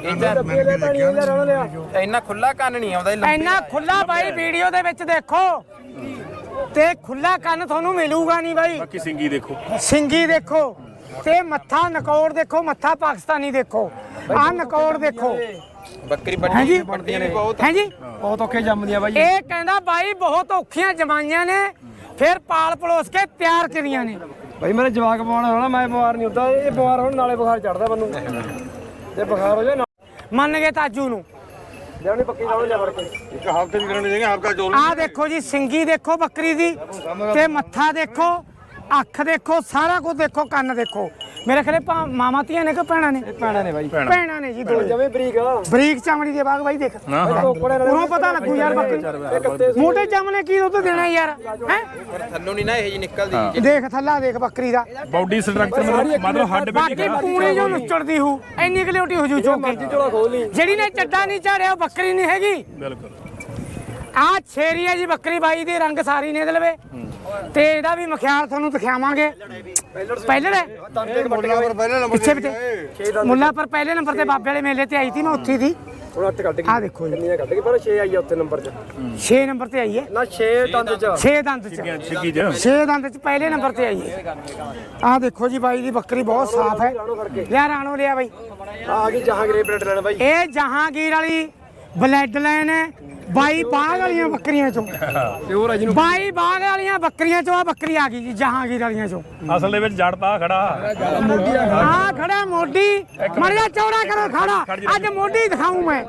Speaker 2: ਇੰਨਾ ਖੁੱਲਾ ਕੰਨ ਨਹੀਂ ਆਉਂਦਾ, ਇਹ ਲੰਬੀ
Speaker 1: ਇੰਨਾ ਖੁੱਲਾ ਬਾਈ ਵੀਡੀਓ ਦੇ ਵਿੱਚ ਦੇਖੋ, ਤੇ ਖੁੱਲਾ ਕੰਨ ਤੁਹਾਨੂੰ ਮਿਲੂਗਾ ਨਹੀਂ ਬਾਈ।
Speaker 3: ਬਾਕੀ ਸਿੰਗੀ ਦੇਖੋ,
Speaker 1: ਸਿੰਗੀ ਦੇਖੋ, ਤੇ ਮੱਥਾ ਨਕੌੜ ਦੇਖੋ, ਮੱਥਾ ਪਾਕਿਸਤਾਨੀ ਦੇਖੋ, ਆਹ ਨਕੌੜ ਦੇਖੋ।
Speaker 2: ਬੱਕਰੀ
Speaker 1: ਹੈ ਜੀ,
Speaker 2: ਵੱਡੀ ਵੱਡੀ ਵੀ ਬਹੁਤ
Speaker 1: ਹੈ ਜੀ।
Speaker 4: ਬਹੁਤ ਔਖੇ ਜੰਮਦੀਆਂ ਬਾਈ।
Speaker 1: ਇਹ ਕਹਿੰਦਾ ਬਾਈ ਬਹੁਤ ਔਖੀਆਂ ਜਮਾਈਆਂ ਨੇ, ਫਿਰ ਪਾਲ ਪਲੋਸ ਕੇ ਤਿਆਰ ਕਰੀਆਂ ਨੇ।
Speaker 4: ਬਾਈ ਮੇਰੇ ਜਵਾਕ ਪਵਾਉਣਾ ਹੋਣਾ, ਮੈਂ ਬਿਮਾਰ ਨਹੀਂ ਹੁੰਦਾ। ਇਹ ਬਿਮਾਰ ਹੋਣ ਨਾਲੇ ਬੁਖਾਰ ਚੜਦਾ ਮੈਨੂੰ, ਤੇ ਬੁਖਾਰ ਹੋ ਜਾਏ।
Speaker 1: ਮੰਨ ਗਏ ਤਾਜੂ ਨੂੰ
Speaker 4: ਲੈਣੀ ਪੱਕੀ ਨਾਲ ਲਿਆ ਫੜ ਕੇ
Speaker 5: ਇੱਕ ਹਫ਼ਤੇ ਦੀ ਕਰਨੀ ਚਾਹੀਏ ਹਫ਼ਤਾ ਚੋਲ
Speaker 1: ਆਹ ਦੇਖੋ ਜੀ ਸਿੰਗੀ ਦੇਖੋ ਬੱਕਰੀ ਦੀ ਤੇ ਮੱਥਾ ਦੇਖੋ ਅੱਖ ਦੇਖੋ ਸਾਰਾ ਕੁਝ ਦੇਖੋ ਕੰਨ ਦੇਖੋ ਮੇਰੇ ਖਰੇ ਮਾਮਾ ਧੀਆਂ ਨੇ ਕਿ ਭੈਣਾਂ ਨੇ
Speaker 4: ਪੈਣਾ ਨੇ ਬਾਈ
Speaker 1: ਭੈਣਾਂ ਨੇ ਜੀ ਦੋ
Speaker 4: ਜਵੇਂ ਬਰੀਕ ਆ
Speaker 1: ਬਰੀਕ ਚਮੜੀ ਦੇ ਬਾਗ ਬਾਈ ਦੇਖ ਉਰੋਂ ਪਤਾ ਲੱਗੂ ਯਾਰ ਬੱਕਰੀ ਮੋਟੇ ਚਮਨੇ ਕੀ ਦੁੱਧ ਦੇਣਾ ਯਾਰ ਹੈ
Speaker 2: ਥੱਲੋਂ ਨਹੀਂ ਨਾ ਇਹ ਜੀ ਨਿਕਲਦੀ
Speaker 1: ਦੇਖ ਥੱਲਾ ਦੇਖ ਬੱਕਰੀ ਦਾ
Speaker 3: ਬਾਡੀ ਸਟਰਕਚਰ ਮਤਲਬ ਮਤਲਬ ਹੱਡ
Speaker 1: ਬਾਕੀ
Speaker 3: ਬੈਠੀ
Speaker 1: ਪੂਣੀ ਜੋ ਨੁੱਚੜਦੀ ਹੂ ਇੰਨੀ ਕਲਿਓਟੀ ਹੋ ਜੂ ਚੋਕੇ
Speaker 4: ਝੋਲਾ ਖੋਲ ਲਈ
Speaker 1: ਜਿਹੜੀ ਨੇ ਚੱਡਾ ਨਹੀਂ ਝਾੜਿਆ ਉਹ ਬੱਕਰੀ ਨਹੀਂ ਹੈਗੀ
Speaker 3: ਬਿਲਕੁਲ
Speaker 1: ਆ ਛੇਰੀ ਹੈ ਜੀ ਬੱਕਰੀ ਬਾਈ ਦੇ ਰੰਗ ਸਾਰੀ ਨੇ ਦਲਵੇ ਤੇ ਇਹਦਾ ਵੀ ਮਖਿਆਲ ਤੁਹਾਨੂੰ ਦਿਖਾਵਾਂਗੇ ਪਹਿਲੇ ਨੇ
Speaker 5: ਮੁੱਲਾ ਪਰ ਪਹਿਲੇ ਨੰਬਰ
Speaker 1: ਪਿੱਛੇ ਪਿੱਛੇ ਮੁੱਲਾ ਪਰ ਪਹਿਲੇ ਨੰਬਰ ਤੇ ਬਾਬੇ ਵਾਲੇ ਮੇਲੇ ਤੇ ਆਈ ਸੀ ਮੈਂ ਉੱਥੇ ਸੀ
Speaker 4: ਹੁਣ ਅੱਠ ਕੱਢ ਗਈ
Speaker 1: ਆ ਦੇਖੋ ਜੀ
Speaker 4: ਕਿੰਨੀਆਂ ਕੱਢ ਗਈ ਪਰ ਛੇ ਆਈ ਆ ਉੱਥੇ ਨੰਬਰ 'ਚ
Speaker 1: ਛੇ ਨੰਬਰ ਤੇ ਆਈ ਹੈ
Speaker 4: ਨਾ ਛੇ ਦੰਦ 'ਚ
Speaker 1: ਛੇ ਦੰਦ ਚ
Speaker 3: ਛਿੱਕੀ ਚ
Speaker 1: ਛੇ ਦੰਦ ਚ ਪਹਿਲੇ ਨੰਬਰ ਤੇ ਆਈ ਹੈ ਆ ਦੇਖੋ ਜੀ ਬਾਈ ਦੀ ਬੱਕਰੀ ਬਹੁਤ ਸਾਫ਼ ਹੈ ਲਿਆ ਰਾਣੋ ਲਿਆ ਬਾਈ
Speaker 4: ਆ ਗਈ ਜਹਾਂਗੀਰ ਬਲੱਡ ਲੈਣ ਬਾਈ
Speaker 1: ਇਹ ਜਹਾਂਗੀਰ ਵਾਲੀ ਬਲੱਡ ਲਾਈਨ ਹੈ ਬਾਈ ਬਾਗ ਵਾਲੀਆਂ ਬੱਕਰੀਆਂ ਚੋਂ
Speaker 4: ਪਿਓਰ ਆ ਜਿਹਨੂੰ
Speaker 1: ਬਾਈ ਬਾਗ ਵਾਲੀਆਂ ਬੱਕਰੀਆਂ ਚੋਂ ਆ ਬੱਕਰੀ ਆ ਗਈ ਜੀ ਜਹਾਂਗੀਰ ਵਾਲੀਆਂ ਚੋਂ
Speaker 3: ਅਸਲ ਦੇ ਵਿੱਚ ਜੜ ਤਾਂ ਖੜਾ
Speaker 1: ਆ ਖੜਾ ਮੋਢੀ ਮੜਿਆ ਚੌੜਾ ਕਰੋ ਖੜਾ ਅੱਜ ਮੋਢੀ ਦਿਖਾਉਂ ਮੈਂ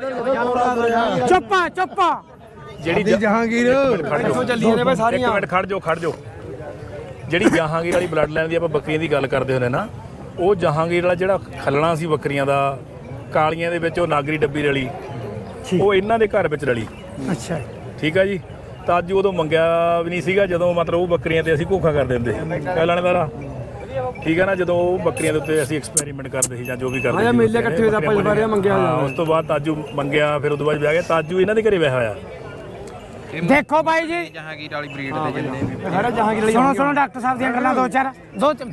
Speaker 1: ਚੁੱਪਾ ਚੁੱਪਾ
Speaker 3: ਜਿਹੜੀ
Speaker 5: ਜਹਾਂਗੀਰ
Speaker 3: ਖੜ ਜਾਓ
Speaker 4: ਚੱਲੀਆਂ ਨੇ ਬਾਈ
Speaker 3: ਇੱਕ
Speaker 4: ਸਾਰੀਆਂ
Speaker 3: ਮਿੰਟ ਖੜ ਜਾਓ ਖੜ ਜਾਓ ਜਿਹੜੀ ਜਹਾਂਗੀਰ ਵਾਲੀ ਬਲੱਡ ਲਾਈਨ ਦੀ ਆਪਾਂ ਬੱਕਰੀਆਂ ਦੀ ਗੱਲ ਕਰਦੇ ਹੁੰਦੇ ਨਾ ਉਹ ਜਹਾਂਗੀਰ ਵਾਲਾ ਜਿਹੜਾ ਖੱਲਣਾ ਸੀ ਬੱਕਰੀਆਂ ਦਾ ਕਾਲੀਆਂ ਦੇ ਵਿੱਚ ਉਹ ਨਾਗਰੀ ਡੱਬੀ ਰਲੀ ਉਹ ਇਹਨਾਂ ਦੇ ਘਰ ਵਿੱਚ ਰਲੀ
Speaker 1: ਅੱਛਾ
Speaker 3: ਠੀਕ ਆ ਜੀ ਤਾਂ ਅੱਜ ਉਦੋਂ ਮੰਗਿਆ ਵੀ ਨਹੀਂ ਸੀਗਾ ਜਦੋਂ ਮਤਲਬ ਉਹ ਬੱਕਰੀਆਂ ਤੇ ਅਸੀਂ ਘੋਖਾ ਕਰਦੇ ਹੁੰਦੇ ਕਹਿ ਲੈਣੇ ਦਾ ਠੀਕ ਹੈ ਨਾ ਜਦੋਂ ਉਹ ਬੱਕਰੀਆਂ ਦੇ ਉੱਤੇ ਅਸੀਂ ਐਕਸਪੈਰੀਮੈਂਟ ਕਰਦੇ ਸੀ ਜਾਂ ਜੋ ਵੀ ਕਰਦੇ
Speaker 4: ਹਾਂ ਮੇਲੇ ਇਕੱਠੇ ਹੋਏ ਤਾਂ ਆਪਾਂ ਜਵਾਰਿਆ ਮੰਗਿਆ
Speaker 3: ਹਾਂ ਉਸ ਤੋਂ ਬਾਅਦ ਤਾਜੂ ਮੰਗਿਆ ਫਿਰ ਉਦੋਂ ਬਾਅਦ ਵਿਆਹ ਗਿਆ ਤਾਜੂ ਇਹਨਾਂ ਦੇ ਘਰੇ ਵਿਆਹ ਹੋਇਆ
Speaker 1: ਦੇਖੋ ਬਾਈ ਜੀ
Speaker 2: ਜਹਾਂਗੀਰ ਵਾਲੀ ਬਰੀਡ ਦੇ ਜਿੰਨੇ ਵੀ
Speaker 4: ਸਾਰਾ ਜਹਾਂਗੀਰ ਵਾਲੀ
Speaker 1: ਸੁਣੋ ਸੁਣੋ ਡਾਕਟਰ ਸਾਹਿਬ ਦੀਆਂ ਗੱਲਾਂ ਦੋ ਚਾਰ ਦੋ ਚੁੱਪ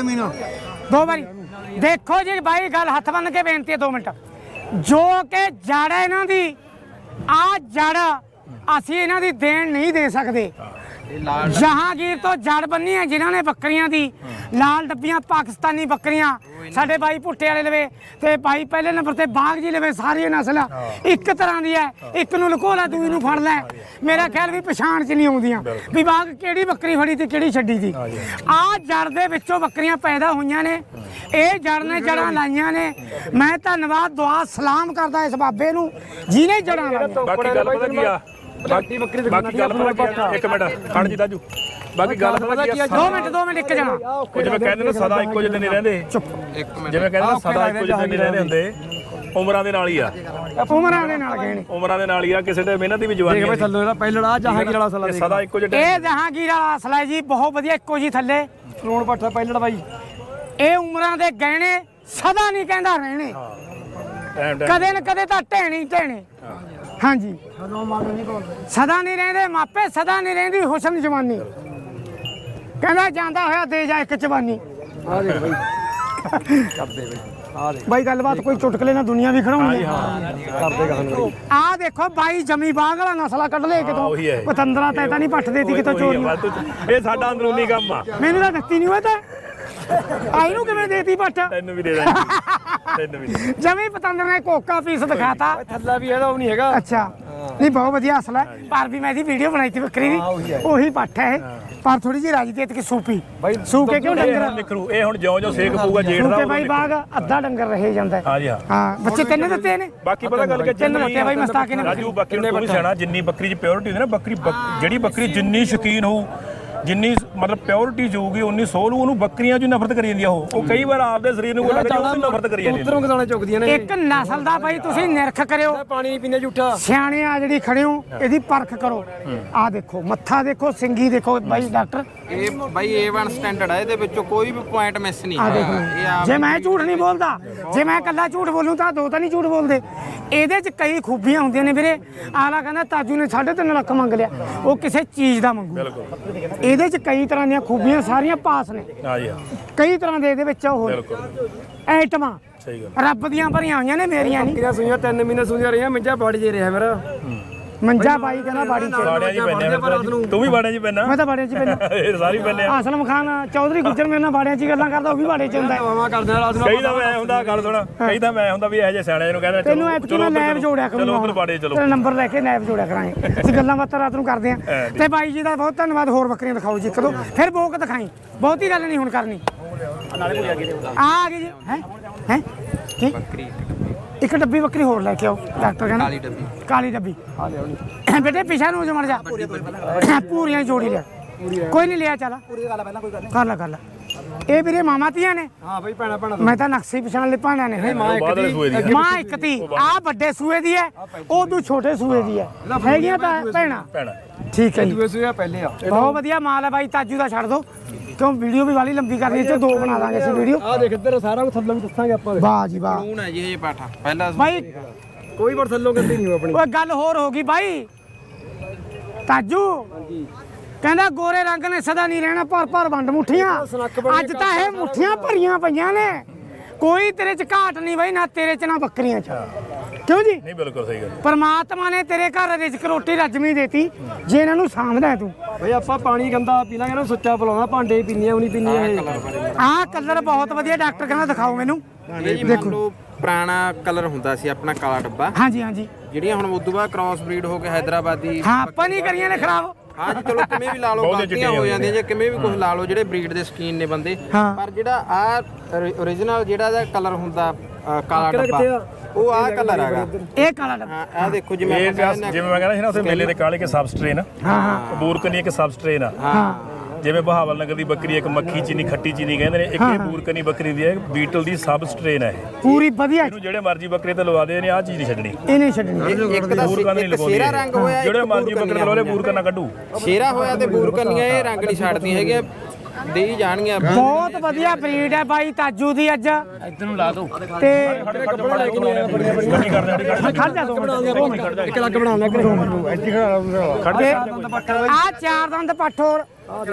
Speaker 1: ਦੋ ਵਾਰੀ ਦੇਖੋ ਜੀ ਬਾਈ ਗੱਲ ਹੱਥ ਬੰਨ ਕੇ ਬੇਨਤੀ ਹੈ ਦੋ ਮਿੰਟ ਜੋ ਕਿ ਜੜ ਹੈ ਇਹਨਾਂ ਦੀ ਆ ਜੜ ਅਸੀਂ ਇਹਨਾਂ ਦੀ ਦੇਣ ਨਹੀਂ ਦੇ ਸਕਦੇ ਜਹਾਂਗੀਰ ਤੋਂ ਜੜ ਬੰਨੀ ਹੈ ਜਿਨ੍ਹਾਂ ਨੇ ਬੱਕਰੀਆਂ ਦੀ ਲਾਲ ਡੱਬੀਆਂ ਪਾਕਿਸਤਾਨੀ ਬੱਕਰੀਆਂ ਸਾਡੇ ਬਾਈ ਭੁੱਟੇ ਵਾਲੇ ਲਵੇ ਤੇ ਬਾਈ ਪਹਿਲੇ ਨੰਬਰ ਤੇ ਬਾਗ ਜੀ ਲਵੇ ਸਾਰੀਆਂ ਨਸਲਾਂ ਇੱਕ ਤਰ੍ਹਾਂ ਦੀ ਹੈ ਇੱਕ ਨੂੰ ਲੁਕੋ ਲੈ ਦੂਜੀ ਨੂੰ ਫੜ ਲੈ ਮੇਰਾ ਖਿਆਲ ਵੀ ਪਛਾਣ ਚ ਨਹੀਂ ਆਉਂਦੀਆਂ ਵੀ ਬਾਗ ਕਿਹੜੀ ਬੱਕਰੀ ਫੜੀ ਤੇ ਕਿਹੜੀ ਛੱਡੀ ਸੀ ਆ ਜੜ ਦੇ ਵਿੱਚੋਂ ਬੱਕਰੀਆਂ ਪੈਦਾ ਹੋਈਆਂ ਨੇ ਇਹ ਜੜ ਨੇ ਜੜਾਂ ਲਾਈਆਂ ਨੇ ਮੈਂ ਧੰਨਵਾਦ ਦੁਆ ਸਲਾਮ ਕਰਦਾ ਇਸ ਬਾਬੇ ਨੂੰ ਜਿਹਨੇ ਜੜਾਂ ਲਾਈਆਂ
Speaker 3: ਬਾਕੀ ਗੱਲ ਪਤਾ ਕੀ ਆ ਬਾਕੀ ਬੱਕਰੀ ਬਾਕੀ ਗੱਲ ਪਤਾ ਕੀ ਆ ਇੱਕ ਮਿੰਟ ਖੜ ਜੀ ਤਾਜੂ ਬਾਕੀ ਗੱਲ ਪਤਾ ਕੀ ਆ
Speaker 1: ਦੋ ਮਿੰਟ ਦੋ ਮਿੰਟ ਇੱਕ ਜਣਾ
Speaker 3: ਉਹ ਜਿਵੇਂ ਕਹਿੰਦੇ ਨੇ ਸਦਾ ਇੱਕੋ ਜਿਹੇ ਨਹੀਂ ਰਹਿੰਦੇ
Speaker 1: ਚੁੱਪ
Speaker 3: ਜਿਵੇਂ ਕਹਿੰਦੇ ਨੇ ਸਦਾ ਇੱਕੋ ਜਿਹੇ ਨਹੀਂ ਰਹਿੰਦੇ ਹੁੰਦੇ ਉਮਰਾਂ ਦੇ ਨਾਲ ਹੀ ਆ
Speaker 1: ਉਮਰਾਂ ਦੇ ਨਾਲ ਗਏ ਨੇ
Speaker 3: ਉਮਰਾਂ ਦੇ ਨਾਲ ਹੀ ਆ ਕਿਸੇ ਦੇ ਮਿਹਨਤ ਦੀ ਵੀ ਜਵਾਨੀ
Speaker 4: ਦੇਖ ਬਾਈ ਥੱਲੇ ਇਹਦਾ ਪਹਿਲੜਾ ਜਹਾਂਗੀਰ ਵਾਲਾ ਸਲਾ
Speaker 3: ਇਹ ਸਦਾ ਇੱਕੋ ਜਿਹੇ
Speaker 1: ਇਹ ਜਹਾਂਗੀਰ ਵਾਲਾ ਅਸਲਾ ਹੈ ਜੀ ਬਹੁਤ ਵਧੀਆ ਇੱਕੋ ਜੀ ਥੱਲੇ
Speaker 4: ਕਰੋੜ ਪੱਠਾ ਪਹਿਲੜਾ ਬਾਈ
Speaker 1: ਇਹ ਉਮਰਾਂ ਦੇ ਗਹਿਣੇ ਸਦਾ ਨਹੀਂ ਕਹਿੰਦਾ ਰਹਿਣੇ
Speaker 3: ਟਾਈਮ ਟਾਈਮ
Speaker 1: ਕਦੇ ਨਾ ਕਦੇ ਤਾਂ ਢਹਿਣੀ ਢਹਿਣੇ ਹਾਂਜੀ ਸਦਾ ਨਹੀਂ ਰਹਿੰਦੇ ਮਾਪੇ ਸਦਾ ਨਹੀਂ ਰਹਿੰਦੀ ਹੁਸਨ ਜਵਾਨੀ ਕਹਿੰਦਾ ਜਾਂਦਾ ਹੋਇਆ ਦੇ ਜਾ ਇੱਕ ਜਵਾਨੀ
Speaker 4: ਆ ਦੇਖ ਬਾਈ ਕਰਦੇ ਬਾਈ ਆ ਦੇਖ
Speaker 1: ਬਾਈ ਗੱਲਬਾਤ ਕੋਈ ਚੁਟਕਲੇ ਨਾਲ ਦੁਨੀਆ ਵੀ ਖੜਾਉਣੀ ਹੈ
Speaker 4: ਕਰਦੇ ਗਾਹਾਂ ਨੂੰ
Speaker 1: ਆਹ ਦੇਖੋ ਬਾਈ ਜਮੀ ਬਾਗ ਵਾਲਾ ਨਸਲਾ ਕੱਢ ਲਏ ਕਿਤੋਂ
Speaker 3: ਉਹੀ ਹੈ।
Speaker 1: ਪਤੰਦਰਾ ਤੈ ਤਾਂ ਨਹੀਂ ਪੱਠ ਦੇਤੀ ਕਿਤੋਂ ਚੋਰੀ
Speaker 3: ਇਹ ਸਾਡਾ ਅੰਦਰੂਨੀ ਕੰਮ ਆ
Speaker 1: ਮੈਨੂੰ ਤਾਂ ਦਿੱਤੀ ਨਹੀਂ ਹੋਇਆ ਤਾਂ ਆਈ ਨੂੰ ਕਿਵੇਂ ਦੇਤੀ ਪੱਠ
Speaker 3: ਤੈਨੂੰ ਵੀ ਦੇ ਦਾਂਗੇ ਤੈਨੂੰ ਵੀ ਦੇ
Speaker 1: ਜਮੀ ਪਤੰਦਰ ਨੇ ਕੋਕਾ ਪੀਸ ਦਿਖਾਤਾ
Speaker 4: ਥੱਲਾ ਵੀ ਇਹਦਾ ਉਹ ਨਹੀਂ ਹੈਗਾ
Speaker 1: ਅੱਛਾ ਨਹੀਂ ਬਹੁਤ ਵਧੀਆ ਅਸਲ ਹੈ ਪਰ ਵੀ ਮੈਂ ਇਹਦੀ ਵੀਡੀਓ ਬਣਾਈ ਸੀ ਬੱਕਰੀ ਦੀ ਉਹੀ ਪੱਠ ਹੈ ਪਰ ਥੋੜੀ ਜਿਹੀ ਰਾਜੀ ਤੇ ਕਿ ਸੂਪੀ
Speaker 4: ਬਾਈ
Speaker 1: ਸੂਕੇ ਕਿਉਂ ਡੰਗਰ
Speaker 3: ਨਿਕਲੂ ਇਹ ਹੁਣ ਜਿਉਂ ਜਿਉਂ ਸੇਕ ਪਊਗਾ ਜੇਠ ਦਾ
Speaker 1: ਸੂਕੇ ਬਾਈ ਬਾਗ ਅੱਧਾ ਡੰਗਰ ਰਹੇ ਜਾਂਦਾ ਹੈ।
Speaker 3: ਹਾਂ ਜੀ ਹਾਂ
Speaker 1: ਹਾਂ ਬੱਚੇ ਤਿੰਨ ਦਿੱਤੇ ਨੇ
Speaker 3: ਬਾਕੀ ਪਤਾ ਗੱਲ ਕਿ
Speaker 1: ਤਿੰਨ ਦਿੱਤੇ ਬਾਈ ਮਸਤਾਕੇ ਨੇ
Speaker 3: ਰਾਜੂ ਬਾਕੀ ਨੂੰ ਵੀ ਸਿਆਣਾ ਜਿੰਨੀ ਬੱਕਰੀ 'ਚ ਪਿਓਰਿਟੀ ਹੁੰਦੀ ਨਾ ਬੱਕਰੀ ਬੱਕ- ਜਿਹੜੀ ਬੱਕਰੀ ਜਿੰਨੀ ਸ਼ੌਕੀਨ ਹੋਊ ਜਿੰਨੀ ਮਤਲਬ ਪਿਓਰਿਟੀ ਜਾਊਗੀ ਉਨੀ ਸੋਲ ਉਹਨੂੰ ਬੱਕਰੀਆਂ 'ਚ ਨਫ਼ਰਤ ਕਰੀ ਜਾਂਦੀ ਆ ਉਹ ਉਹ ਕਈ ਵਾਰ ਆਪਦੇ ਸਰੀਰ ਨੂੰ ਕੋਈ ਲੱਗਦਾ ਉਹ ਨਫ਼ਰਤ ਕਰੀ ਜਾਂਦੀ
Speaker 4: ਉਧਰੋਂ ਗਦਾਣੇ ਚੁੱਕਦੀਆਂ ਨੇ
Speaker 1: ਇੱਕ ਨਸਲ ਦਾ ਬਾਈ ਤੁਸੀਂ ਨਿਰਖ ਕਰਿਓ
Speaker 4: ਪਾਣੀ ਨਹੀਂ ਪੀਂਦੇ ਝੂਠਾ
Speaker 1: ਸਿਆਣੇ ਆ ਜਿਹੜੀ ਖੜੇ ਹੋ ਇਹਦੀ ਪਰਖ ਕਰੋ ਆਹ ਦੇਖੋ ਮੱਥਾ ਦੇਖੋ ਸਿੰਗੀ ਦੇਖੋ ਬਾਈ ਡਾਕਟਰ
Speaker 2: ਇਹ ਬਾਈ ਏ ਵਨ ਸਟੈਂਡਰਡ ਹੈ ਇਹਦੇ ਵਿੱਚੋਂ ਕੋਈ ਵੀ ਪੁਆਇੰਟ ਮਿਸ ਨਹੀਂ
Speaker 1: ਆ ਦੇਖ
Speaker 2: ਹੈਗਾ। ਇਹ ਆਪ
Speaker 1: ਜੇ ਮੈਂ ਝੂਠ ਨਹੀਂ ਬੋਲਦਾ ਜੇ ਮੈਂ ਇਕੱਲਾ ਝੂਠ ਬੋਲੂੰ ਤਾਂ ਦੋ ਤਾਂ ਨਹੀਂ ਝੂਠ ਬੋਲਦੇ ਇਹਦੇ 'ਚ ਕਈ ਖੂਬੀਆਂ ਹੁੰਦੀਆਂ ਨੇ ਵੀਰੇ ਆਲਾ ਕਹਿੰਦਾ ਤਾਜੂ ਨੇ ਸਾਢੇ ਤਿੰਨ ਲੱਖ ਮੰਗ ਲਿਆ ਉਹ ਕਿਸੇ ਚੀਜ਼ ਦਾ ਮੰਗੂ ਇਹਦੇ 'ਚ ਕਈ ਤਰ੍ਹਾਂ ਦੀਆਂ ਖੂਬੀਆਂ ਸਾਰੀਆਂ ਪਾਸ ਨੇ
Speaker 3: ਹਾਂ ਜੀ ਹਾਂ
Speaker 1: ਕਈ ਤਰ੍ਹਾਂ ਦੇ ਇਹਦੇ ਵਿੱਚ ਉਹ
Speaker 3: ਬਿਲਕੁਲ
Speaker 1: ਐਟਮਾਂ
Speaker 3: ਸਹੀ ਗੱਲ
Speaker 1: ਰੱਬ ਦੀਆਂ ਭਰੀਆਂ ਹੋਈਆਂ ਨੇ ਮੇਰੀਆਂ ਨਹੀਂ
Speaker 4: ਕਿਹਨਾਂ ਸੁਈਆਂ ਤਿੰਨ ਮਹੀਨੇ ਸੁਈਆਂ ਰਹੀਆਂ ਮਿੰਜਾ ਬਾੜੀ ਜੇ ਰਿਹਾ ਮੇਰਾ
Speaker 1: ਮੰਜਾ ਬਾਈ ਕਹਿੰਦਾ ਬਾੜੀ ਚ
Speaker 3: ਬਾੜਿਆਂ 'ਚ ਪੈਂਦੇ ਆ ਤੂੰ ਵੀ ਬਾੜਿਆਂ 'ਚ ਪੈਣਾ
Speaker 1: ਮੈਂ ਤਾਂ ਬਾੜਿਆਂ 'ਚ ਪੈਣਾ
Speaker 3: ਇਹ ਸਾਰੀ ਪੈਂਦੇ ਆ
Speaker 1: ਆਸਲਮ ਖਾਨ ਚੌਧਰੀ ਗੁੱਜਰ ਮੇਰੇ ਨਾਲ ਬਾੜਿਆਂ 'ਚ ਹੀ ਗੱਲਾਂ ਕਰਦਾ ਉਹ ਵੀ ਬਾੜੇ 'ਚ ਹੁੰਦਾ ਹੈ।
Speaker 4: ਮਾਮਾ ਕਰਦੇ ਆ ਰਾਤ ਨੂੰ
Speaker 3: ਕਈ ਤਾਂ ਮੈਂ ਹੁੰਦਾ ਗੱਲ ਸੁਣ ਕਈ ਤਾਂ ਮੈਂ ਹੁੰਦਾ ਵੀ ਇਹੋ ਜਿਹੇ ਸਿਆਣੇ ਨੂੰ ਕਹਿੰਦਾ
Speaker 1: ਤੈਨੂੰ ਐਤਕੀ ਮੈਂ ਲੈਬ ਜੋੜਿਆ ਕਰੂੰਗਾ
Speaker 3: ਚਲੋ ਉਧਰ ਬਾੜੇ ਚਲੋ
Speaker 1: ਤੇਰਾ ਨੰਬਰ ਲੈ ਕੇ ਲੈਬ ਜੋੜਿਆ ਕਰਾਂਗੇ ਅਸੀਂ ਗੱਲਾਂ ਬਾਤਾਂ ਰਾਤ ਨੂੰ ਕਰਦੇ ਆਂ ਤੇ ਬਾਈ ਜੀ ਦਾ ਬਹੁਤ ਧੰਨਵਾਦ ਹੋਰ ਬੱਕਰੀਆਂ ਦਿਖਾਓ ਜੀ ਇੱਕ ਦੋ ਫਿਰ ਬੋਕ ਦਿਖਾਈ ਬਹੁਤੀ ਗੱਲ ਨਹੀਂ ਹੁਣ ਕਰਨੀ ਆ ਆ ਗਈ ਜੀ ਹੈ ਹੈ ਕੀ ਇੱਕ ਡੱਬੀ ਬੱਕਰੀ ਹੋਰ ਲੈ ਕੇ ਆਓ ਡਾਕਟਰ ਕਹਿੰਦਾ
Speaker 2: ਕਾਲੀ ਡੱਬੀ
Speaker 1: ਕਾਲੀ ਡੱਬੀ ਬੇਟੇ ਪਿਛਾ ਨੂੰ ਜਮੜ ਜਾ ਪੂਰੀਆਂ ਜੋੜੀ ਲਿਆ ਕੋਈ ਨਹੀਂ ਲਿਆ ਚੱਲ ਪੂਰੀ ਗੱਲ ਪਹਿਲਾਂ ਕੋਈ ਗੱਲ ਕਰ ਲੈ ਕਰ ਲੈ ਇਹ ਵੀਰੇ ਮਾਮਾ ਧੀਆਂ ਨੇ
Speaker 4: ਹਾਂ ਬਈ ਭੈਣਾ ਭੈਣਾ
Speaker 1: ਮੈਂ ਤਾਂ ਨਕਸ਼ੇ ਪਛਾਣ ਲੈ ਭਾਣਾ ਨੇ
Speaker 3: ਮਾਂ ਇੱਕ ਦੀ
Speaker 1: ਮਾਂ ਇੱਕ ਤੀ ਆ ਵੱਡੇ ਸੂਏ ਦੀ ਹੈ ਉਹ ਤੂੰ ਛੋਟੇ ਸੂਏ ਦੀ ਹੈ ਹੈਗੀਆਂ ਤਾਂ ਭੈਣਾ
Speaker 3: ਭੈਣਾ
Speaker 1: ਠੀਕ ਹੈ ਜੀ
Speaker 4: ਦੂਏ ਸੂਏ ਪਹਿਲੇ ਆ
Speaker 1: ਬਹੁਤ ਵਧੀਆ ਮਾਲ ਹੈ ਬਾਈ ਤਾਜੂ ਦਾ ਛੱਡ ਦੋ ਕਿਉਂ ਵੀਡੀਓ ਵੀ ਵਾਲੀ ਲੰਬੀ ਕਰਨੀ ਹੈ ਤੇ ਦੋ ਬਣਾ ਦਾਂਗੇ ਅਸੀਂ ਵੀਡੀਓ
Speaker 4: ਆ ਦੇਖ ਇੱਧਰ ਸਾਰਾ ਕੁਝ ਥੱਲੋਂ ਵੀ ਦੱਸਾਂਗੇ ਆਪਾਂ
Speaker 1: ਵਾਹ ਜੀ ਵਾਹ
Speaker 2: ਲੂਣ ਹੈ ਜੀ ਇਹ ਪਾਠਾ ਪਹਿਲਾ
Speaker 1: ਬਾਈ
Speaker 4: ਕੋਈ ਵਾਰ ਥੱਲੋਂ ਗੰਦੀ ਨਹੀਂ ਆਪਣੀ
Speaker 1: ਓਏ ਗੱਲ ਹੋਰ ਹੋ ਗਈ ਬਾਈ ਤਾਜੂ ਕਹਿੰਦਾ ਗੋਰੇ ਰੰਗ ਨੇ ਸਦਾ ਨਹੀਂ ਰਹਿਣਾ ਭਰ ਭਰ ਵੰਡ ਮੁੱਠੀਆਂ ਅੱਜ ਤਾਂ ਇਹ ਮੁੱਠੀਆਂ ਭਰੀਆਂ ਪਈਆਂ ਨੇ ਕੋਈ ਤੇਰੇ ਚ ਘਾਟ ਨਹੀਂ ਬਾਈ ਨਾ ਤੇਰੇ ਚ ਨਾ ਬੱਕਰੀਆਂ ਚ ਕਿਉਂ ਜੀ
Speaker 3: ਨਹੀਂ ਬਿਲਕੁਲ ਸਹੀ ਗੱਲ
Speaker 1: ਪਰਮਾਤਮਾ ਨੇ ਤੇਰੇ ਘਰ ਰਿਜ਼ਕ ਰੋਟੀ ਰੱਜਮੀ ਦੇਤੀ ਜੇ ਇਹਨਾਂ ਨੂੰ ਸਾਂਭਦਾ ਹੈ ਤੂੰ
Speaker 4: ਬਈ ਆਪਾਂ ਪਾਣੀ ਗੰਦਾ ਪੀ ਲਾਂਗੇ ਨਾ ਸੁੱਚਾ ਪਲਾਉਣਾ ਭਾਂਡੇ ਪੀਣੀਆਂ ਉਹ ਨਹੀਂ ਪੀਣੀਆਂ ਇਹ
Speaker 1: ਆਹ ਕਲਰ ਬਹੁਤ ਵਧੀਆ ਡਾਕਟਰ ਕਹਿੰਦਾ ਦਿਖਾਓ ਮੈਨੂੰ
Speaker 2: ਇਹ ਜੀ ਮੰਨ ਲਓ ਪੁਰਾਣਾ ਕਲਰ ਹੁੰਦਾ ਸੀ ਆਪਣਾ ਕਾਲਾ ਡੱਬਾ
Speaker 1: ਹਾਂਜੀ ਹਾਂਜੀ
Speaker 2: ਜਿਹੜੀਆਂ ਹੁਣ ਉਦੋਂ ਬਾਅਦ ਕ੍ਰਾਸ ਬਰੀਡ ਹੋ ਕੇ ਹੈਦਰਾਬਾਦੀ
Speaker 1: ਹਾਂ ਆਪਾਂ ਨਹੀਂ ਕਰੀਆਂ ਨੇ ਖਰਾਬ
Speaker 2: ਹਾਂ ਜੀ ਚਲੋ ਕਿਵੇਂ ਵੀ ਲਾ ਲਓ ਗਲਤੀਆਂ ਹੋ ਜਾਂਦੀਆਂ ਜੇ ਕਿਵੇਂ ਵੀ ਕੁਝ ਲਾ ਲਓ ਜਿਹੜੇ ਬਰੀਡ ਦੇ ਸ਼ਕੀਨ ਨੇ ਬੰਦੇ
Speaker 1: ਹਾਂ।
Speaker 2: ਪਰ ਜਿਹੜਾ ਆ origignal ਜਿਹੜਾ ਦਾ ਕਲਰ ਹੁੰਦਾ ਅ, ਕਾਲਾ ਡੱਬਾ ਉਹ ਆ ਕਲਰ ਹੈਗਾ
Speaker 1: ਇਹ ਕਾਲਾ ਡੱਬਾ
Speaker 2: ਹਾਂ ਆ ਦੇਖੋ ਜਿਵੇਂ
Speaker 3: ਇਹ
Speaker 2: ਆਪਾਂ
Speaker 3: ਪਿਆਸ
Speaker 2: ਕਹਿੰਦੇ
Speaker 3: ਜਿਵੇਂ ਮੈਂ ਕਹਿੰਦਾ ਸੀ ਨਾ ਉੱਥੇ ਮੇਲੇ ਦੇ ਕਾਲੇ ਕੇ ਸਬ ਸਟ੍ਰੇਨ
Speaker 1: ਹਾਂ ਹਾਂ
Speaker 3: ਬੂਰਕਨੀ ਇੱਕ ਸਬ ਸਟ੍ਰੇਨ ਆ
Speaker 1: ਹਾਂ
Speaker 3: ਜਿਵੇਂ ਬਹਾਵਲ ਨਗਰ ਦੀ ਬੱਕਰੀ ਇੱਕ ਮੱਖੀ ਚੀਨੀ ਖੱਟੀ ਚੀਨੀ ਕਹਿੰਦੇ ਨੇ ਇੱਕ ਇਹ ਬੂਰਕਨੀ ਬੱਕਰੀ ਦੀ ਹੈ ਬੀਟਲ ਦੀ ਸਬ ਸਟ੍ਰੇਨ ਹੈ ਇਹ
Speaker 1: ਪੂਰੀ ਵਧੀਆ
Speaker 3: ਇਹਨੂੰ ਜਿਹੜੇ ਮਰਜ਼ੀ ਬੱਕਰੇ ਤੇ ਲਵਾ ਦੇ ਨੇ ਆਹ ਚੀਜ਼ ਨਹੀਂ ਛੱਡਣੀ
Speaker 1: ਇਹ ਨਹੀਂ ਛੱਡਣੀ
Speaker 2: ਇੱਕ ਦਾ
Speaker 3: ਬੂਰਕਨ ਨਹੀਂ
Speaker 2: ਇੱਕ
Speaker 3: ਲਗਾਉਂਦੀ
Speaker 2: ਸ਼ੇਰਾ ਰੰਗ ਹੋਇਆ ਇੱਕ
Speaker 3: ਜਿਹੜੇ ਮਰਜ਼ੀ ਬੱਕਰੇ ਤੇ ਲਵਾ ਲੈ ਬੂਰਕਨ ਨਾ ਕੱਢੂ
Speaker 2: ਸ਼ੇਰਾ ਹੋਇਆ ਤੇ ਬੂਰਕਨੀਆਂ ਇਹ ਰੰਗ ਨਹੀਂ ਛੱਡਦੀਆਂ ਹੈਗੀਆਂ ਦੇ ਹੀ ਜਾਣਗੀਆਂ
Speaker 1: ਬਹੁਤ ਵਧੀਆ ਬਰੀਡ ਹੈ ਬਾਈ ਤਾਜੂ ਦੀ ਅੱਜ
Speaker 3: ਇੱਧਰ ਨੂੰ ਲਾ ਦੋ
Speaker 1: ਤੇ
Speaker 3: ਗੱਡੀ ਕਰ ਦੇ
Speaker 1: ਖੜ ਜਾ ਦੋ ਮਿੰਟ
Speaker 4: ਇੱਕ ਲੱਗ ਬਣਾ ਲੈ
Speaker 3: ਖੜ
Speaker 1: ਤੇ
Speaker 3: ਜਾ
Speaker 1: ਆ ਚਾਰ ਦੰਦ ਪੱਠ ਹੋਰ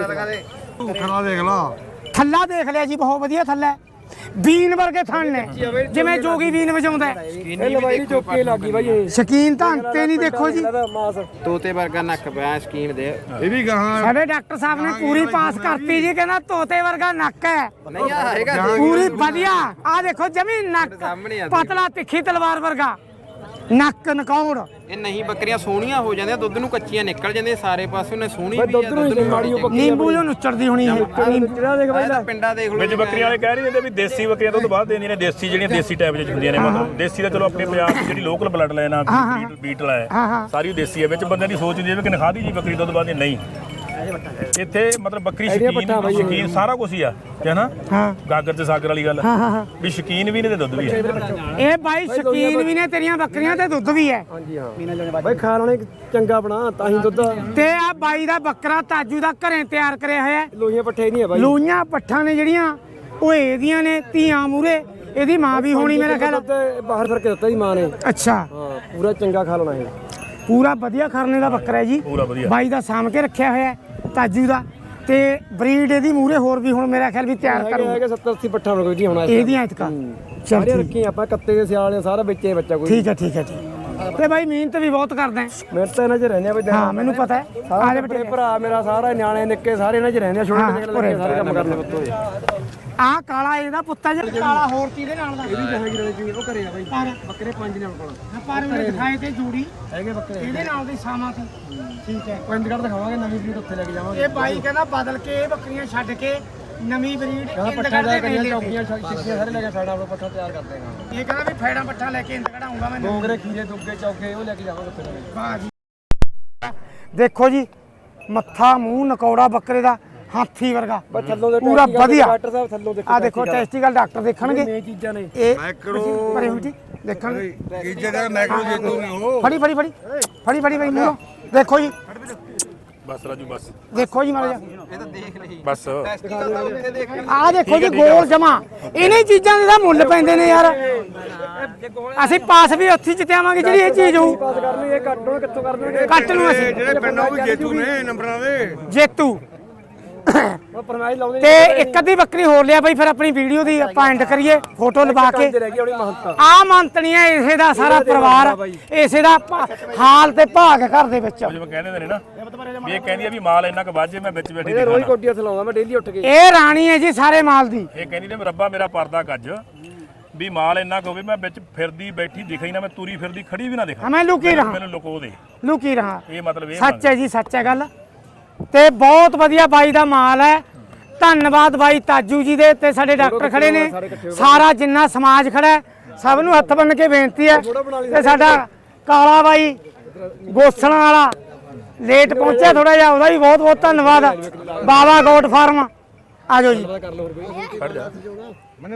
Speaker 5: ਖੜਾ ਦੇਖ ਲਾ
Speaker 1: ਥੱਲਾ ਦੇਖ ਲਿਆ ਜੀ ਬਹੁਤ ਵਧੀਆ ਥੱਲਾ ਬੀਨ ਵਰਗੇ ਥਣ ਨੇ ਜਿਵੇਂ ਜੋਗੀ ਬੀਨ ਵਜਾਉਂਦਾ ਹੈ।
Speaker 4: ਇਹ ਲਵਾਈ ਨਹੀਂ ਚੁੱਕੇ ਲੱਗੀ ਬਾਈ ਇਹ
Speaker 1: ਸ਼ਕੀਨ ਤਾਂ ਅੰਤੇ ਨਹੀਂ ਦੇਖੋ ਜੀ
Speaker 4: ਇਹਦਾ ਮਾਸ
Speaker 2: ਤੋਤੇ ਵਰਗਾ ਨੱਕ ਪਿਆ ਸਕੀਮ ਦੇ
Speaker 5: ਇਹ ਵੀ ਗਾਹਾਂ
Speaker 1: ਸਾਡੇ ਡਾਕਟਰ ਸਾਹਿਬ ਨੇ ਪੂਰੀ ਪਾਸ ਕਰਤੀ ਜੀ ਕਹਿੰਦਾ ਤੋਤੇ ਵਰਗਾ ਨੱਕ ਹੈ
Speaker 2: ਨਹੀਂ ਆ ਹੈਗਾ
Speaker 1: ਪੂਰੀ ਵਧੀਆ ਆ ਦੇਖੋ ਜਮੀ ਨੱਕ
Speaker 2: ਸਾਹਮਣੇ ਆ
Speaker 1: ਪਤਲਾ ਤਿੱਖੀ ਤਲਵਾਰ ਵਰਗਾ ਨੱਕ ਨਕੌੜ
Speaker 2: ਇਹ ਨਹੀਂ ਬੱਕਰੀਆਂ ਸੋਹਣੀਆਂ ਹੋ ਜਾਂਦੀਆਂ ਦੁੱਧ ਨੂੰ ਕੱਚੀਆਂ ਨਿਕਲ ਜਾਂਦੀਆਂ ਸਾਰੇ ਪਾਸੇ ਉਹਨੇ ਸੋਹਣੀ
Speaker 4: ਬਈ
Speaker 2: ਵੀ
Speaker 4: ਦੁੱਧ
Speaker 2: ਆ
Speaker 4: ਨੂੰ ਹੀ ਮਾੜੀ ਉਹ
Speaker 1: ਨਿੰਬੂ ਜੋ ਨੁੱਚੜਦੀ ਹੋਣੀ ਹੈ
Speaker 4: ਜਿਹੜਾ ਦੇਖ ਬਾਈ
Speaker 2: ਇਹ ਤਾਂ ਪਿੰਡਾਂ ਦੇਖ ਲਓ
Speaker 3: ਵਿੱਚ ਬੱਕਰੀਆਂ ਵਾਲੇ ਕਹਿ ਰਹੇ ਨੇ ਵੀ ਦੇਸੀ ਬੱਕਰੀਆਂ ਦੁੱਧ ਬਾਅਦ ਦੇਂਦੀਆਂ ਨੇ ਦੇਸੀ ਜਿਹੜੀਆਂ ਦੇਸੀ ਟਾਈਪ ਵਿੱਚ ਹੁੰਦੀਆਂ ਨੇ ਮਤਲਬ ਦੇਸੀ ਦਾ ਚਲੋ ਆਪਣੇ ਪੰਜਾਬ ਦੀ ਜਿਹੜੀ ਲੋਕਲ ਬਲੱਡ ਲਾਈਨ ਆ ਬੀਟ ਬੀਟਲ ਹੈ ਸਾਰੀ ਦੇਸੀ ਹੈ ਵਿੱਚ ਬੰਦਿਆਂ ਦੀ ਸੋਚ ਹੁੰਦੀ ਹੈ ਵੀ ਕਿ ਨਖਾਦੀ ਜੀ ਬੱਕਰੀ ਦੁੱਧ ਬਾਅਦ ਦੀ ਨਹੀਂ ਇੱਥੇ ਮਤਲਬ ਬੱਕਰੀ ਸ਼ਕੀਨ ਸ਼ਕੀਨ ਸਾਰਾ ਕੁਝ ਹੀ ਆ ਹੈ ਨਾ
Speaker 1: ਹਾਂ
Speaker 3: ਗਾਗਰ ਤੇ ਸਾਗਰ ਵਾਲੀ ਗੱਲ ਵੀ ਸ਼ਕੀਨ ਵੀ ਨੇ ਤੇ ਦੁੱਧ ਵੀ ਹੈ
Speaker 1: ਇਹ ਬਾਈ ਸ਼ਕੀਨ ਵੀ ਨੇ ਤੇਰੀਆਂ ਬੱਕਰੀਆਂ ਤੇ ਦੁੱਧ ਵੀ ਹੈ
Speaker 4: ਹਾਂਜੀ ਹਾਂ ਬਾਈ ਖਾ ਲੈਣੇ ਚੰਗਾ ਬਣਾ ਤਾਂ ਹੀ ਦੁੱਧ
Speaker 1: ਤੇ ਆ ਬਾਈ ਦਾ ਬੱਕਰਾ ਤਾਜੂ ਦਾ ਘਰੇ ਤਿਆਰ ਕਰਿਆ ਹੋਇਆ ਹੈ।
Speaker 4: ਲੋਹੀਆਂ ਪੱਠੇ ਨਹੀਂ ਹੈ ਬਾਈ
Speaker 1: ਲੋਈਆਂ ਪੱਠਾਂ ਨੇ ਜਿਹੜੀਆਂ ਉਹ ਇਹਦੀਆਂ ਨੇ ਧੀਆਂ ਮੂਰੇ ਇਹਦੀ ਮਾਂ ਵੀ ਹੋਣੀ ਮੇਰਾ ਖਿਆਲ
Speaker 4: ਦੁੱਧ ਬਾਹਰ ਫਿਰ ਕੇ ਦਿੱਤਾ ਜੀ ਮਾਂ ਨੇ
Speaker 1: ਅੱਛਾ
Speaker 4: ਹਾਂ ਪੂਰਾ ਚੰਗਾ ਖਾ ਲੈਣਾ ਇਹ
Speaker 1: ਪੂਰਾ ਵਧੀਆ ਖਰਨੇ ਦਾ ਬੱਕਰਾ ਹੈ ਜੀ
Speaker 3: ਪੂਰਾ ਵਧੀਆ
Speaker 1: ਬਾਈ ਦਾ ਸਾਂਭ ਕੇ ਰੱਖਿਆ ਹੋਇਆ ਹੈ ਤਾਜੂ ਦਾ ਤੇ ਬਰੀਡ ਇਹਦੀ ਮੂਰੇ ਹੋਰ ਵੀ ਹੁਣ ਮੇਰਾ ਖਿਆਲ ਵੀ ਤਿਆਰ
Speaker 4: ਹੈਗੇ
Speaker 1: ਕਰੂ
Speaker 4: ਹੈਗੇ ਸੱਤਰ ਅੱਸੀ ਪੱਠਾ ਹੋ ਗਈ ਹੁਣ
Speaker 1: ਇਹਦੀਆਂ ਇਤਕਾ ਚੱਲ
Speaker 4: ਸਾਰੇ
Speaker 1: ਠੀਕ
Speaker 4: ਰੱਖੀ ਆਪਾਂ ਕੱਤੇ ਦੇ ਸਿਆਲ ਨੇ ਸਾਰਾ ਵਿੱਚੇ ਬੱਚਾ ਕੋਈ
Speaker 1: ਠੀਕ ਹੈ ਠੀਕ ਹੈ ਠੀਕ ਤੇ ਬਾਈ ਮਿਹਨਤ ਵੀ ਬਹੁਤ ਕਰਦਾ ਹੈ।
Speaker 4: ਮੇਰੇ ਤਾਂ ਇਹਨਾਂ 'ਚ ਰਹਿੰਦੇ ਆ ਬਈ
Speaker 1: ਹਾਂ ਮੈਨੂੰ ਪਤਾ ਹੈ ਆ
Speaker 4: ਸਾਰੇ
Speaker 1: ਜਾ
Speaker 4: ਬੇਟੇ
Speaker 1: ਬੇਟੇ
Speaker 4: ਭਰਾ ਮੇਰਾ ਸਾਰਾ ਨਿਆਣੇ ਨਿੱਕੇ ਸਾਰੇ ਇਹਨਾਂ 'ਚ ਰਹਿੰਦੇ ਆ ਛੋਟੇ
Speaker 1: ਹਾਂ,
Speaker 4: ਨਿੱਕੇ ਲੱਗੇ ਸਾਰੇ ਕੰਮ ਕਰਦੇ ਪੁੱਤੋ
Speaker 1: ਆ ਕਾਲਾ ਇਹਦਾ ਪੁੱਤਾ ਜਿਹਾ ਕਾਲਾ ਹੋਰ ਕਿਹਦੇ ਨਾਲ ਦਾ
Speaker 4: ਇਹ ਵੀ ਜਹਾਂਗੀਰ ਵਾਲੇ ਜੀ ਉਹ ਘਰੇ ਆ ਬਾਈ ਬੱਕਰੇ ਪੰਜ ਨੇ ਕੋਲ
Speaker 1: ਪਰ ਉਹਨੇ ਦਿਖਾਏ ਤੇ ਜੂੜੀ
Speaker 4: ਹੈਗੇ ਬੱਕਰੇ
Speaker 1: ਇਹਦੇ ਨਾਲ ਦੀ ਸਾਮਾ ਸੀ ਠੀਕ ਹੈ
Speaker 4: ਪਿੰਡਗੜ ਦਿਖਾਵਾਂਗੇ ਨਵੀਂ ਬਰੀਡ ਉੱਥੇ ਲੈ ਕੇ ਜਾਵਾਂਗੇ
Speaker 1: ਇਹ ਬਾਈ ਕਹਿੰਦਾ ਬਦਲ ਕੇ ਇਹ ਬੱਕਰੀਆਂ ਛੱਡ ਕੇ ਨਵੀਂ ਬਰੀਡ
Speaker 4: ਕਹਿੰਦਾ ਪੱਠਾ ਲੈ ਕੇ ਚੌਕੀਆਂ ਛਿੱਕੀਆਂ ਸਾਰੇ ਲੈ ਕੇ ਸਾਡਾ ਆਪਣਾ ਪੱਠਾ ਤਿਆਰ ਕਰਦੇ ਹਾਂ
Speaker 1: ਇਹ ਕਹਿੰਦਾ ਵੀ ਫੈੜਾ ਪੱਠਾ ਲੈ ਕੇ ਇੰਦ ਕਢਾਉਂਗਾ ਮੈਂ
Speaker 4: ਡੋਗਰੇ ਖੀਰੇ ਦੁੱਗੇ ਚੌਕੇ ਉਹ ਲੈ ਕੇ ਜਾਵਾਂਗੇ ਉੱਥੇ
Speaker 1: ਵਾਹ ਜੀ ਦੇਖੋ ਜੀ ਮੱਥਾ ਮੂੰਹ ਨਕੌੜਾ ਬੱਕਰੇ ਦਾ ਹਾਥੀ ਵਰਗਾ
Speaker 4: ਬਸ ਥੱਲੋਂ ਦੇ
Speaker 1: ਪੂਰਾ ਵਧੀਆ
Speaker 4: ਡਾਕਟਰ ਸਾਹਿਬ ਥੱਲੋਂ ਦੇਖੋ
Speaker 1: ਆ ਦੇਖੋ ਟੈਸਟੀਕਲ ਡਾਕਟਰ ਦੇਖਣਗੇ
Speaker 4: ਇਹ ਚੀਜ਼ਾਂ ਨੇ
Speaker 1: ਇਹ
Speaker 5: ਮੈਕਰੋ
Speaker 1: ਪਰੇ ਹੋ ਜੀ ਦੇਖਣਗੇ
Speaker 5: ਕੀ ਜਗ੍ਹਾ ਮੈਕਰੋ ਜੇਤੂ ਨਹੀਂ ਹੋ
Speaker 1: ਫੜੀ ਫੜੀ ਫੜੀ ਫੜੀ ਫੜੀ ਫੜੀ ਮੂੰਹੋਂ ਦੇਖੋ ਜੀ
Speaker 3: ਬਸ ਰਾਜੂ ਬਸ
Speaker 1: ਦੇਖੋ ਜੀ ਮਾਰਾ
Speaker 2: ਇਹ ਤਾਂ ਦੇਖ ਲਈ
Speaker 3: ਬਸ
Speaker 2: ਟੈਸਟੀਕਲ ਤਾਂ ਉੱਥੇ ਦੇਖ
Speaker 1: ਆ ਦੇਖੋ ਜੀ ਗੋਲ ਜਮਾ ਇਹਨੇ ਚੀਜ਼ਾਂ ਦੇ ਤਾਂ ਮੁੱਲ ਪੈਂਦੇ ਨੇ ਯਾਰ ਅਸੀਂ ਪਾਸ ਵੀ ਉੱਥੇ ਜਿੱਤਿਆਵਾਂਗੇ ਜਿਹੜੀ ਇਹ ਚੀਜ਼ ਹੋਊ
Speaker 4: ਪਾਸ ਕਰਨੀ ਇਹ ਕੱਟੋ ਕਿੱਥੋਂ ਕਰਨਗੇ
Speaker 1: ਕੱਟ ਨੂੰ ਅਸੀਂ
Speaker 5: ਜਿਹੜੇ ਪਿੰਡਾਂ ਉਹ ਵੀ ਜੇਤੂ ਨੇ ਨੰਬਰਾਂ ਦੇ
Speaker 1: ਜੇਤੂ
Speaker 4: ਉਹ ਫਰਮਾਇਸ਼ ਲਾਉਂਦੇ
Speaker 1: ਤੇ ਇੱਕ ਅੱਧੀ ਬੱਕਰੀ ਹੋਰ ਲਿਆ ਬਈ ਫਿਰ ਆਪਣੀ ਵੀਡੀਓ ਦੀ ਆਪਾਂ ਐਂਡ ਕਰੀਏ ਫੋਟੋ ਲਵਾ ਕੇ
Speaker 4: ਰਹਿ ਗਈ ਆਪਣੀ ਮਹੰਤਾ
Speaker 1: ਆ ਮੰਤਨੀਆਂ ਇਸੇ ਦਾ ਸਾਰਾ ਪਰਿਵਾਰ ਇਸੇ ਦਾ ਭਾ- ਹਾਲ ਤੇ ਭਾਗ ਘਰ ਦੇ ਵਿੱਚ
Speaker 3: ਜਿਵੇਂ ਕਹਿੰਦੇ ਨੇ ਨਾ ਵੀ ਇਹ ਕਹਿੰਦੀ ਆ ਵੀ ਮਾਲ ਇੰਨਾ ਕੁ ਵਾਜੇ ਮੈਂ ਵਿੱਚ ਬੈਠੀ
Speaker 4: ਇਹ ਰੋਜ਼
Speaker 3: ਦਿਖਾਣਾ
Speaker 4: ਕੋਟੀਆਂ ਥਲਾਉਂਦਾ ਮੈਂ ਡੇਲੀ ਉੱਠ ਕੇ
Speaker 1: ਇਹ ਰਾਣੀ ਹੈ ਜੀ ਸਾਰੇ ਮਾਲ ਦੀ
Speaker 3: ਇਹ ਕਹਿੰਦੀ ਨੇ ਰੱਬਾ ਮੇਰਾ ਪਰਦਾ ਕੱਜ ਵੀ ਮਾਲ ਇੰਨਾ ਕੁ ਹੋਵੇ ਮੈਂ ਵਿੱਚ ਫਿਰਦੀ ਬੈਠੀ ਦਿਖੇ ਹੀ ਨਾ ਮੈਂ ਤੁਰੀ ਫਿਰਦੀ ਖੜੀ ਵੀ ਨਾ ਦਿਖਾਂ
Speaker 1: ਹਮੇ ਲੁਕੀ ਰਹਾ
Speaker 3: ਮੈਨੂੰ ਲੁਕੋ ਦੇ
Speaker 1: ਲੁਕੀ ਰਹਾ
Speaker 3: ਇਹ ਮਤਲਬ ਇਹ
Speaker 1: ਸੱਚ ਹੈ ਜੀ ਸੱਚ ਹੈ ਗੱਲ ਤੇ ਬਹੁਤ ਵਧੀਆ ਬਾਈ ਦਾ ਮਾਲ ਹੈ ਧੰਨਵਾਦ ਬਾਈ ਤਾਜੂ ਜੀ ਦੇ ਤੇ ਸਾਡੇ ਡਾਕਟਰ ਖੜੇ ਨੇ ਸਾਰਾ ਜਿੰਨਾ ਸਮਾਜ ਖੜਾ ਹੈ ਸਭ ਨੂੰ ਹੱਥ ਬੰਨ ਕੇ ਬੇਨਤੀ ਹੈ ਤੇ ਸਾਡਾ ਕਾਲਾ ਬਾਈ ਗੋਸਣਾ ਵਾਲਾ ਲੇਟ ਪਹੁੰਚਿਆ ਥੋੜਾ ਜਿਹਾ, ਉਹਦਾ ਵੀ ਬਹੁਤ ਬਹੁਤ ਧੰਨਵਾਦ। ਬਾਬਾ ਗੋਟ ਫਾਰਮ ਆ ਜਾਓ ਜੀ।
Speaker 4: ਕਰ ਲਓ ਹੋਰ ਕੋਈ
Speaker 3: ਖੜ ਜਾ